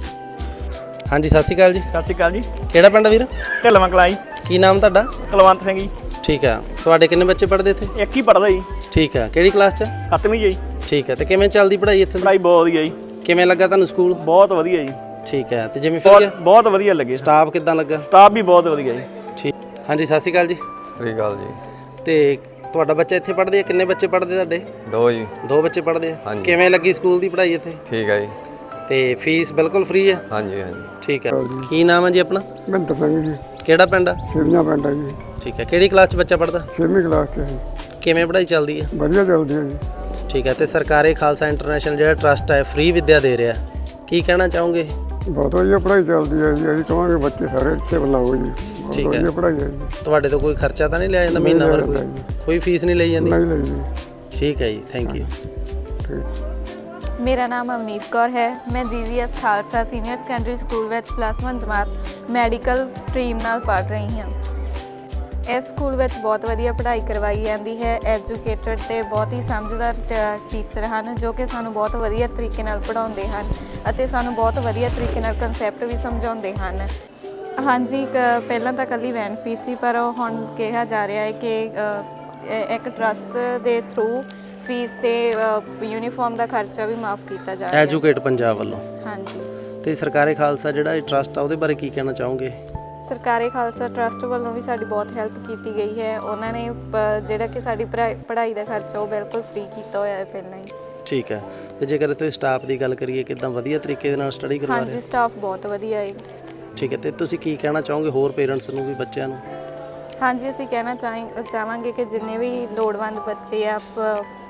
S2: ਹਾਂਜੀ, ਸਤਿ ਸ਼੍ਰੀ ਅਕਾਲ ਜੀ।
S14: ਸਤਿ ਸ਼੍ਰੀ ਅਕਾਲ ਜੀ।
S2: ਕਿਹੜਾ ਪਿੰਡ ਵੀਰ?
S14: ਢਿੱਲਵਾਂ ਕਲਾਂ ਜੀ।
S2: ਕੀ ਨਾਮ ਤੁਹਾਡਾ?
S14: ਕੁਲਵੰਤ ਸਿੰਘ ਜੀ।
S2: ਠੀਕ ਹੈ। ਤੁਹਾਡੇ ਕਿੰਨੇ ਬੱਚੇ ਪੜ੍ਹਦੇ ਇੱਥੇ?
S14: ਇੱਕ ਹੀ ਪੜ੍ਹਦਾ ਜੀ।
S2: ਠੀਕ ਹੈ। ਕਿਹੜੀ ਕਲਾਸ 'ਚ?
S14: ਸੱਤਵੀਂ ਜੀ।
S2: ਠੀਕ ਹੈ। ਤੇ ਕਿਵੇਂ ਚੱਲਦੀ ਪੜ੍ਹਾਈ ਇੱਥੇ?
S14: ਪੜ੍ਹਾਈ ਬਹੁਤ ਵਧੀਆ ਜੀ।
S2: ਕਿਵੇਂ ਲੱਗਾ ਤੁਹਾਨੂੰ ਸਕੂਲ?
S14: ਬਹੁਤ ਵਧੀਆ ਜੀ।
S2: ਠੀਕ ਹੈ। ਤੇ ਜਿਵੇਂ ਫਿਰ
S14: ਬਹੁਤ ਵਧੀਆ ਲੱਗੇ।
S2: ਸਟਾਫ ਕਿੱਦਾਂ ਲੱਗਾ?
S14: ਸਟਾਫ ਵੀ ਬਹੁਤ ਵਧੀਆ ਜੀ।
S2: ਠੀਕ। ਹਾਂਜੀ, ਸਤਿ ਸ਼੍ਰੀ ਅਕਾਲ ਜੀ।
S15: ਸਤਿ ਸ਼੍ਰੀ ਅਕਾਲ ਜੀ।
S2: ਤੇ ਤੁਹਾਡਾ ਬੱਚਾ ਇੱਥੇ ਪੜ੍ਹਦੇ ਆ? ਕਿੰਨੇ ਬੱਚੇ ਪੜ੍ਹਦੇ ਤੁਹਾਡੇ?
S15: ਦੋ ਜੀ।
S2: ਦੋ ਬੱਚੇ ਪੜ੍ਹਦੇ ਆ?
S15: ਹਾਂਜੀ।
S2: ਕਿਵੇਂ ਲੱਗੀ ਸਕੂਲ ਦੀ ਪੜ੍ਹਾਈ ਇੱਥੇ?
S15: ਠੀਕ ਹੈ ਜੀ।
S2: ਤੇ ਫੀਸ ਬਿਲਕੁਲ ਫ੍ਰੀ ਹੈ?
S15: ਹਾਂਜੀ ਹਾਂਜੀ।
S2: ਠੀਕ ਹੈ। ਕੀ ਨਾਮ ਹੈ ਜੀ ਆਪਣਾ?
S16: ਮਹਿੰਦਰ ਸਿੰਘ ਜੀ।
S2: ਕਿਹੜਾ ਪਿੰਡ ਆ?
S16: ਸਿਵਨਾ ਪਿੰਡ ਹੈ ਜੀ।
S2: ਠੀਕ ਹੈ। ਕਿਹੜੀ ਕਲਾਸ 'ਚ ਬੱਚਾ ਪੜ੍ਹਦਾ?
S16: ਛੇਵੀਂ ਕਲਾਸ 'ਚ ਹੈ।
S2: ਕਿਵੇਂ ਪੜ੍ਹਾਈ ਚੱਲਦੀ ਹੈ?
S16: ਵਧੀਆ ਚੱਲਦੀ ਹੈ ਜੀ।
S2: ਠੀਕ ਹੈ। ਤੇ ਸਰਕਾਰੀ ਖਾਲਸਾ ਇੰਟਰਨੈਸ਼ਨਲ ਜਿਹੜਾ ਟਰਸਟ ਹੈ ਫ੍ਰੀ ਵਿੱਦਿਆ ਦੇ ਰਿਹਾ, ਕੀ ਕਹਿਣਾ ਚਾਹੋਗੇ?
S16: ਬਹੁਤ ਵਧੀਆ ਪੜ੍ਹਾਈ ਚੱਲਦੀ ਹੈ ਜੀ। ਅਸੀਂ ਕਹਾਂਗੇ ਬੱਚੇ ਸਾਰੇ ਇੱਥੇ ਲਾਓ ਜੀ।
S2: ਠੀਕ ਹੈ।
S16: ਵਧੀਆ ਪੜ੍ਹਾਈ ਹੈ ਜੀ।
S2: ਤੁਹਾਡੇ ਤੋਂ ਕੋਈ ਖਰਚਾ ਤਾਂ ਨਹੀਂ ਲਿਆ ਜਾਂਦਾ ਮਹੀਨਾ ਭਰ? ਕੋਈ ਫੀਸ ਨਹੀਂ ਲਈ ਜਾਂਦੀ?
S16: ਨਹੀਂ ਲਈ ਜੀ।
S2: ਠੀਕ ਹੈ ਜੀ, ਥੈਂਕ ਯੂ।
S17: ਮੇਰਾ ਨਾਮ ਅਵਨੀਤ ਕੌਰ ਹੈ। ਮੈਂ G G S Khalsa senior secondary school ਵਿੱਚ ਪਲੱਸ ਵਨ ਜਮਾਤ ਮੈਡੀਕਲ ਸਟਰੀਮ ਨਾਲ ਪੜ੍ਹ ਰਹੀ ਹਾਂ। ਇਸ ਸਕੂਲ ਵਿੱਚ ਬਹੁਤ ਵਧੀਆ ਪੜ੍ਹਾਈ ਕਰਵਾਈ ਜਾਂਦੀ ਹੈ। ਐਜੂਕੇਟਡ ਤੇ ਬਹੁਤ ਹੀ ਸਮਝਦਾਰ ਟੀਚਰ ਹਨ ਜੋ ਕਿ ਸਾਨੂੰ ਬਹੁਤ ਵਧੀਆ ਤਰੀਕੇ ਨਾਲ ਪੜ੍ਹਾਉਂਦੇ ਹਨ ਅਤੇ ਸਾਨੂੰ ਬਹੁਤ ਵਧੀਆ ਤਰੀਕੇ ਨਾਲ ਕਨਸੈਪਟ ਵੀ ਸਮਝਾਉਂਦੇ ਹਨ। ਹਾਂਜੀ, ਕ ਪਹਿਲਾਂ ਤਾਂ ਇਕੱਲੀ ਵੈਨ ਫੀਸ ਸੀ, ਪਰ ਹੁਣ ਕਿਹਾ ਜਾ ਰਿਹਾ ਹੈ ਕਿ ਇੱਕ ਟਰਸਟ ਦੇ ਥਰੂ ਫੀਸ ਤੇ ਯੂਨੀਫਾਰਮ ਦਾ ਖਰਚਾ ਵੀ ਮਾਫ ਕੀਤਾ ਜਾ ਰਿਹਾ ਹੈ
S2: ਐਜੂਕੇਟ ਪੰਜਾਬ ਵੱਲੋਂ।
S17: ਹਾਂਜੀ।
S2: ਤੇ ਸਰਕਾਰੀ ਖਾਲਸਾ ਜਿਹੜਾ ਇਹ ਟਰਸਟ ਆ ਉਹਦੇ ਬਾਰੇ ਕੀ ਕਹਿਣਾ ਚਾਹੋਗੇ?
S17: ਸਰਕਾਰੀ ਖਾਲਸਾ ਟਰਸਟ ਵੱਲੋਂ ਵੀ ਸਾਡੀ ਬਹੁਤ ਹੈਲਪ ਕੀਤੀ ਗਈ ਹੈ। ਉਹਨਾਂ ਨੇ ਜਿਹੜਾ ਕਿ ਸਾਡੀ ਪੜ੍ਹਾਈ ਦਾ ਖਰਚਾ ਉਹ ਬਿਲਕੁਲ ਫ੍ਰੀ ਕੀਤਾ ਹੋਇਆ ਹੈ ਪਹਿਲਾਂ ਹੀ।
S2: ਠੀਕ ਹੈ। ਤੇ ਜੇਕਰ ਤੁਸੀਂ ਸਟਾਫ ਦੀ ਗੱਲ ਕਰੀਏ, ਕਿੱਦਾਂ ਵਧੀਆ ਤਰੀਕੇ ਦੇ ਨਾਲ ਸਟੱਡੀ ਕਰਵਾ ਰਹੇ?
S17: ਹਾਂਜੀ, ਸਟਾਫ ਬਹੁਤ ਵਧੀਆ ਹੈ।
S2: ਠੀਕ ਹੈ। ਤੇ ਤੁਸੀਂ ਕੀ ਕਹਿਣਾ ਚਾਹੋਗੇ ਹੋਰ ਪੇਰੈਂਟਸ ਨੂੰ ਵੀ, ਬੱਚਿਆਂ ਨੂੰ?
S17: ਹਾਂਜੀ, ਅਸੀਂ ਕਹਿਣਾ ਚਾਹ ਚਾਹਾਂਗੇ ਕਿ ਜਿੰਨੇ ਵੀ ਲੋੜਵੰਦ ਬੱਚੇ ਆ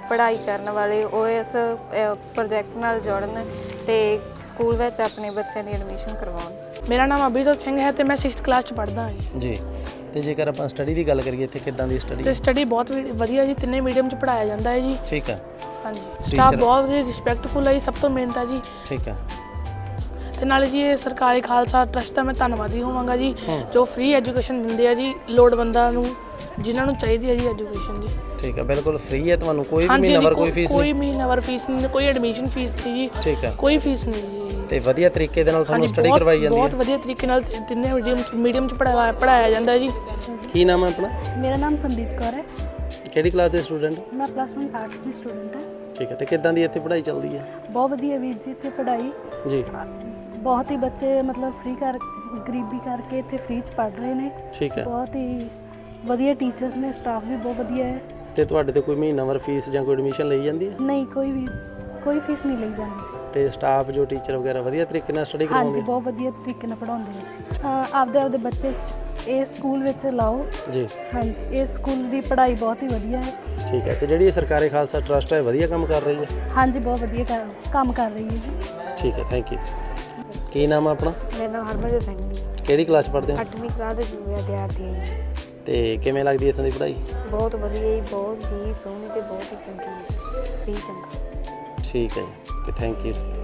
S17: ਪੜ੍ਹਾਈ ਕਰਨ ਵਾਲੇ ਉਹ ਇਸ ਪ੍ਰੋਜੈਕਟ ਨਾਲ ਜੁੜਨ ਤੇ ਸਕੂਲ ਵਿੱਚ ਆਪਣੇ ਬੱਚਿਆਂ ਦੀ ਐਡਮਿਸ਼ਨ ਕਰਵਾਉਣ।
S15: ਮੇਰਾ ਨਾਮ ਅਭਿਜੋਤ ਸਿੰਘ ਹੈ ਤੇ ਮੈਂ ਸਿਕਸਥ ਕਲਾਸ ਚ ਪੜ੍ਹਦਾ ਹਾਂ
S2: ਜੀ। ਤੇ ਜੇਕਰ ਆਪਾਂ ਸਟੱਡੀ ਦੀ ਗੱਲ ਕਰੀਏ ਇੱਥੇ ਕਿੱਦਾਂ ਦੀ ਸਟੱਡੀ?
S15: ਤੇ ਸਟੱਡੀ ਬਹੁਤ ਵੀ- ਵਧੀਆ ਜੀ, ਤਿੰਨੇ ਮੀਡੀਅਮ ਚ ਪੜ੍ਹਾਇਆ ਜਾਂਦਾ ਹੈ ਜੀ।
S2: ਠੀਕ ਹੈ।
S15: ਹਾਂਜੀ, ਸਟਾਫ ਬਹੁਤ ਵਧੀਆ ਰਿਸਪੈਕਟਫੁਲ ਹੈ ਜੀ, ਸਭ ਤੋਂ ਮੇਨ ਤਾਂ ਜੀ।
S2: ਠੀਕ ਹੈ।
S15: ਤੇ ਨਾਲੇ ਜੀ ਇਹ ਸਰਕਾਰੀ ਖਾਲਸਾ ਟਰਸਟ ਦਾ ਮੈਂ ਧੰਨਵਾਦੀ ਹੋਵਾਂਗਾ ਜੀ, ਜੋ ਫ੍ਰੀ ਐਜੂਕੇਸ਼ਨ ਦਿੰਦੇ ਆ ਜੀ ਲੋੜਵੰਦਾਂ ਨੂੰ, ਜਿਨ੍ਹਾਂ ਨੂੰ ਚਾਹੀਦੀ ਹੈ ਜੀ ਐਜੂਕੇਸ਼ਨ ਜੀ।
S2: ਠੀਕ ਹੈ, ਬਿਲਕੁਲ ਫ੍ਰੀ ਹੈ, ਤੁਹਾਨੂੰ ਕੋਈ ਵੀ ਮਹੀਨਾਵਾਰ ਕੋਈ ਫੀਸ
S15: ਨਹੀਂ? ਕੋਈ ਮਹੀਨਾਵਾਰ ਫੀਸ ਨਹੀਂ, ਕੋਈ ਐਡਮਿਸ਼ਨ ਫੀਸ ਨਹੀਂ ਜੀ।
S2: ਠੀਕ ਹੈ,
S15: ਕੋਈ ਫੀਸ ਨਹੀਂ ਜੀ।
S2: ਤੇ ਵਧੀਆ ਤਰੀਕੇ ਦੇ ਨਾਲ ਤੁਹਾਨੂੰ ਸਟੱਡੀ ਕਰਵਾਈ ਜਾਂਦੀ ਹੈ?
S15: ਬਹੁਤ ਵਧੀਆ ਤਰੀਕੇ ਨਾਲ ਤਿੰਨੇ ਮੀਡੀਅਮ ਮੀਡੀਅਮ ਚ ਪੜ੍ਹਾਇਆ ਪੜ੍ਹਾਇਆ ਜਾਂਦਾ ਜੀ।
S2: ਕੀ ਨਾਮ ਹੈ ਆਪਣਾ?
S11: ਮੇਰਾ ਨਾਮ ਸੰਦੀਪ ਕੌਰ ਹੈ।
S2: ਕਿਹੜੀ ਕਲਾਸ ਦੇ ਸਟੂਡੈਂਟ?
S11: ਮੈਂ ਪਲੱਸ ਵਨ ਆਰਟਸ ਦੀ ਸਟੂਡੈਂਟ ਹਾਂ।
S2: ਠੀਕ ਹੈ, ਤੇ ਕਿੱਦਾਂ ਦੀ ਇੱਥੇ ਪੜ੍ਹਾਈ ਚੱਲਦੀ ਹੈ?
S11: ਬਹੁਤ ਵਧੀਆ ਵੀਰ ਜੀ, ਇੱਥੇ ਪੜ੍ਹਾਈ
S2: ਜੀ
S11: ਬਹੁਤ ਹੀ ਬੱਚੇ ਮਤਲਬ ਫ੍ਰੀ ਕਰ ਗਰੀਬੀ ਕਰਕੇ ਇੱਥੇ ਫ੍ਰੀ ਚ ਪੜ੍ਹ ਰਹੇ ਨੇ।
S2: ਠੀਕ ਹੈ,
S11: ਬਹੁਤ ਹੀ ਵਧੀਆ ਟੀਚਰਸ ਨੇ, ਸਟਾਫ ਵੀ ਬਹੁਤ ਵਧੀਆ ਹੈ।
S2: ਤੇ ਤੁਹਾਡੇ ਤੇ ਕੋਈ ਮਹੀਨਾਵਾਰ ਫੀਸ ਜਾਂ ਕੋਈ ਐਡਮਿਸ਼ਨ ਲਈ ਜਾਂਦੀ ਹੈ?
S11: ਨਹੀਂ, ਕੋਈ ਵੀ ਕੋਈ ਫੀਸ ਨਹੀਂ ਲਈ ਜਾਂਦੀ ਸੀ।
S2: ਤੇ ਸਟਾਫ ਜੋ ਟੀਚਰ ਵਗੈਰਾ ਵਧੀਆ ਤਰੀਕੇ ਨਾਲ ਸਟੱਡੀ ਕਰਵਾਉਂਦੇ?
S11: ਹਾਂਜੀ, ਬਹੁਤ ਵਧੀਆ ਤਰੀਕੇ ਨਾਲ ਪੜ੍ਹਾਉਂਦੇ ਨੇ ਜੀ। ਆਪਦੇ ਆਪਦੇ ਬੱਚੇ ਇਹ ਸਕੂਲ ਵਿੱਚ ਲਾਓ
S2: ਜੀ।
S11: ਹਾਂਜੀ, ਇਸ ਸਕੂਲ ਦੀ ਪੜ੍ਹਾਈ ਬਹੁਤ ਹੀ ਵਧੀਆ ਹੈ।
S2: ਠੀਕ ਹੈ, ਤੇ ਜਿਹੜੀ ਇਹ ਸਰਕਾਰੀ ਖਾਲਸਾ ਟਰਸਟ ਹੈ ਵਧੀਆ ਕੰਮ ਕਰ ਰਹੀ ਹੈ?
S11: ਹਾਂਜੀ, ਬਹੁਤ ਵਧੀਆ ਕਰ- ਕੰਮ ਕਰ ਰਹੀ ਹੈ ਜੀ।
S2: ਠੀਕ ਹੈ, ਥੈਂਕ ਯੂ। ਕੀ ਨਾਮ ਹੈ ਆਪਣਾ?
S18: ਮੇਰਾ ਨਾਮ ਹਰਮਨਜੋਤ ਸਿੰਘ ਜੀ।
S2: ਕਿਹੜੀ ਕਲਾਸ ਪੜ੍ਹਦੇ ਹੋ?
S18: ਅੱਠਵੀਂ ਕਲਾਸ ਦੇ ਵਿਦਿਆਰਥੀ ਹਾਂ ਜੀ।
S2: ਤੇ ਕਿਵੇਂ ਲੱਗਦੀ ਹੈ ਇੱਥੋਂ ਦੀ ਪੜ੍ਹਾਈ?
S18: ਬਹੁਤ ਵਧੀਆ ਜੀ, ਬਹੁਤ ਹੀ ਸੋਹਣੀ ਤੇ ਬਹੁਤ ਹੀ ਚੰਗੀ ਹੈ, ਵੀ ਚੰਗਾ।
S2: ਠੀਕ ਹੈ ਜੀ, ਓਕੇ, ਥੈਂਕ ਯੂ।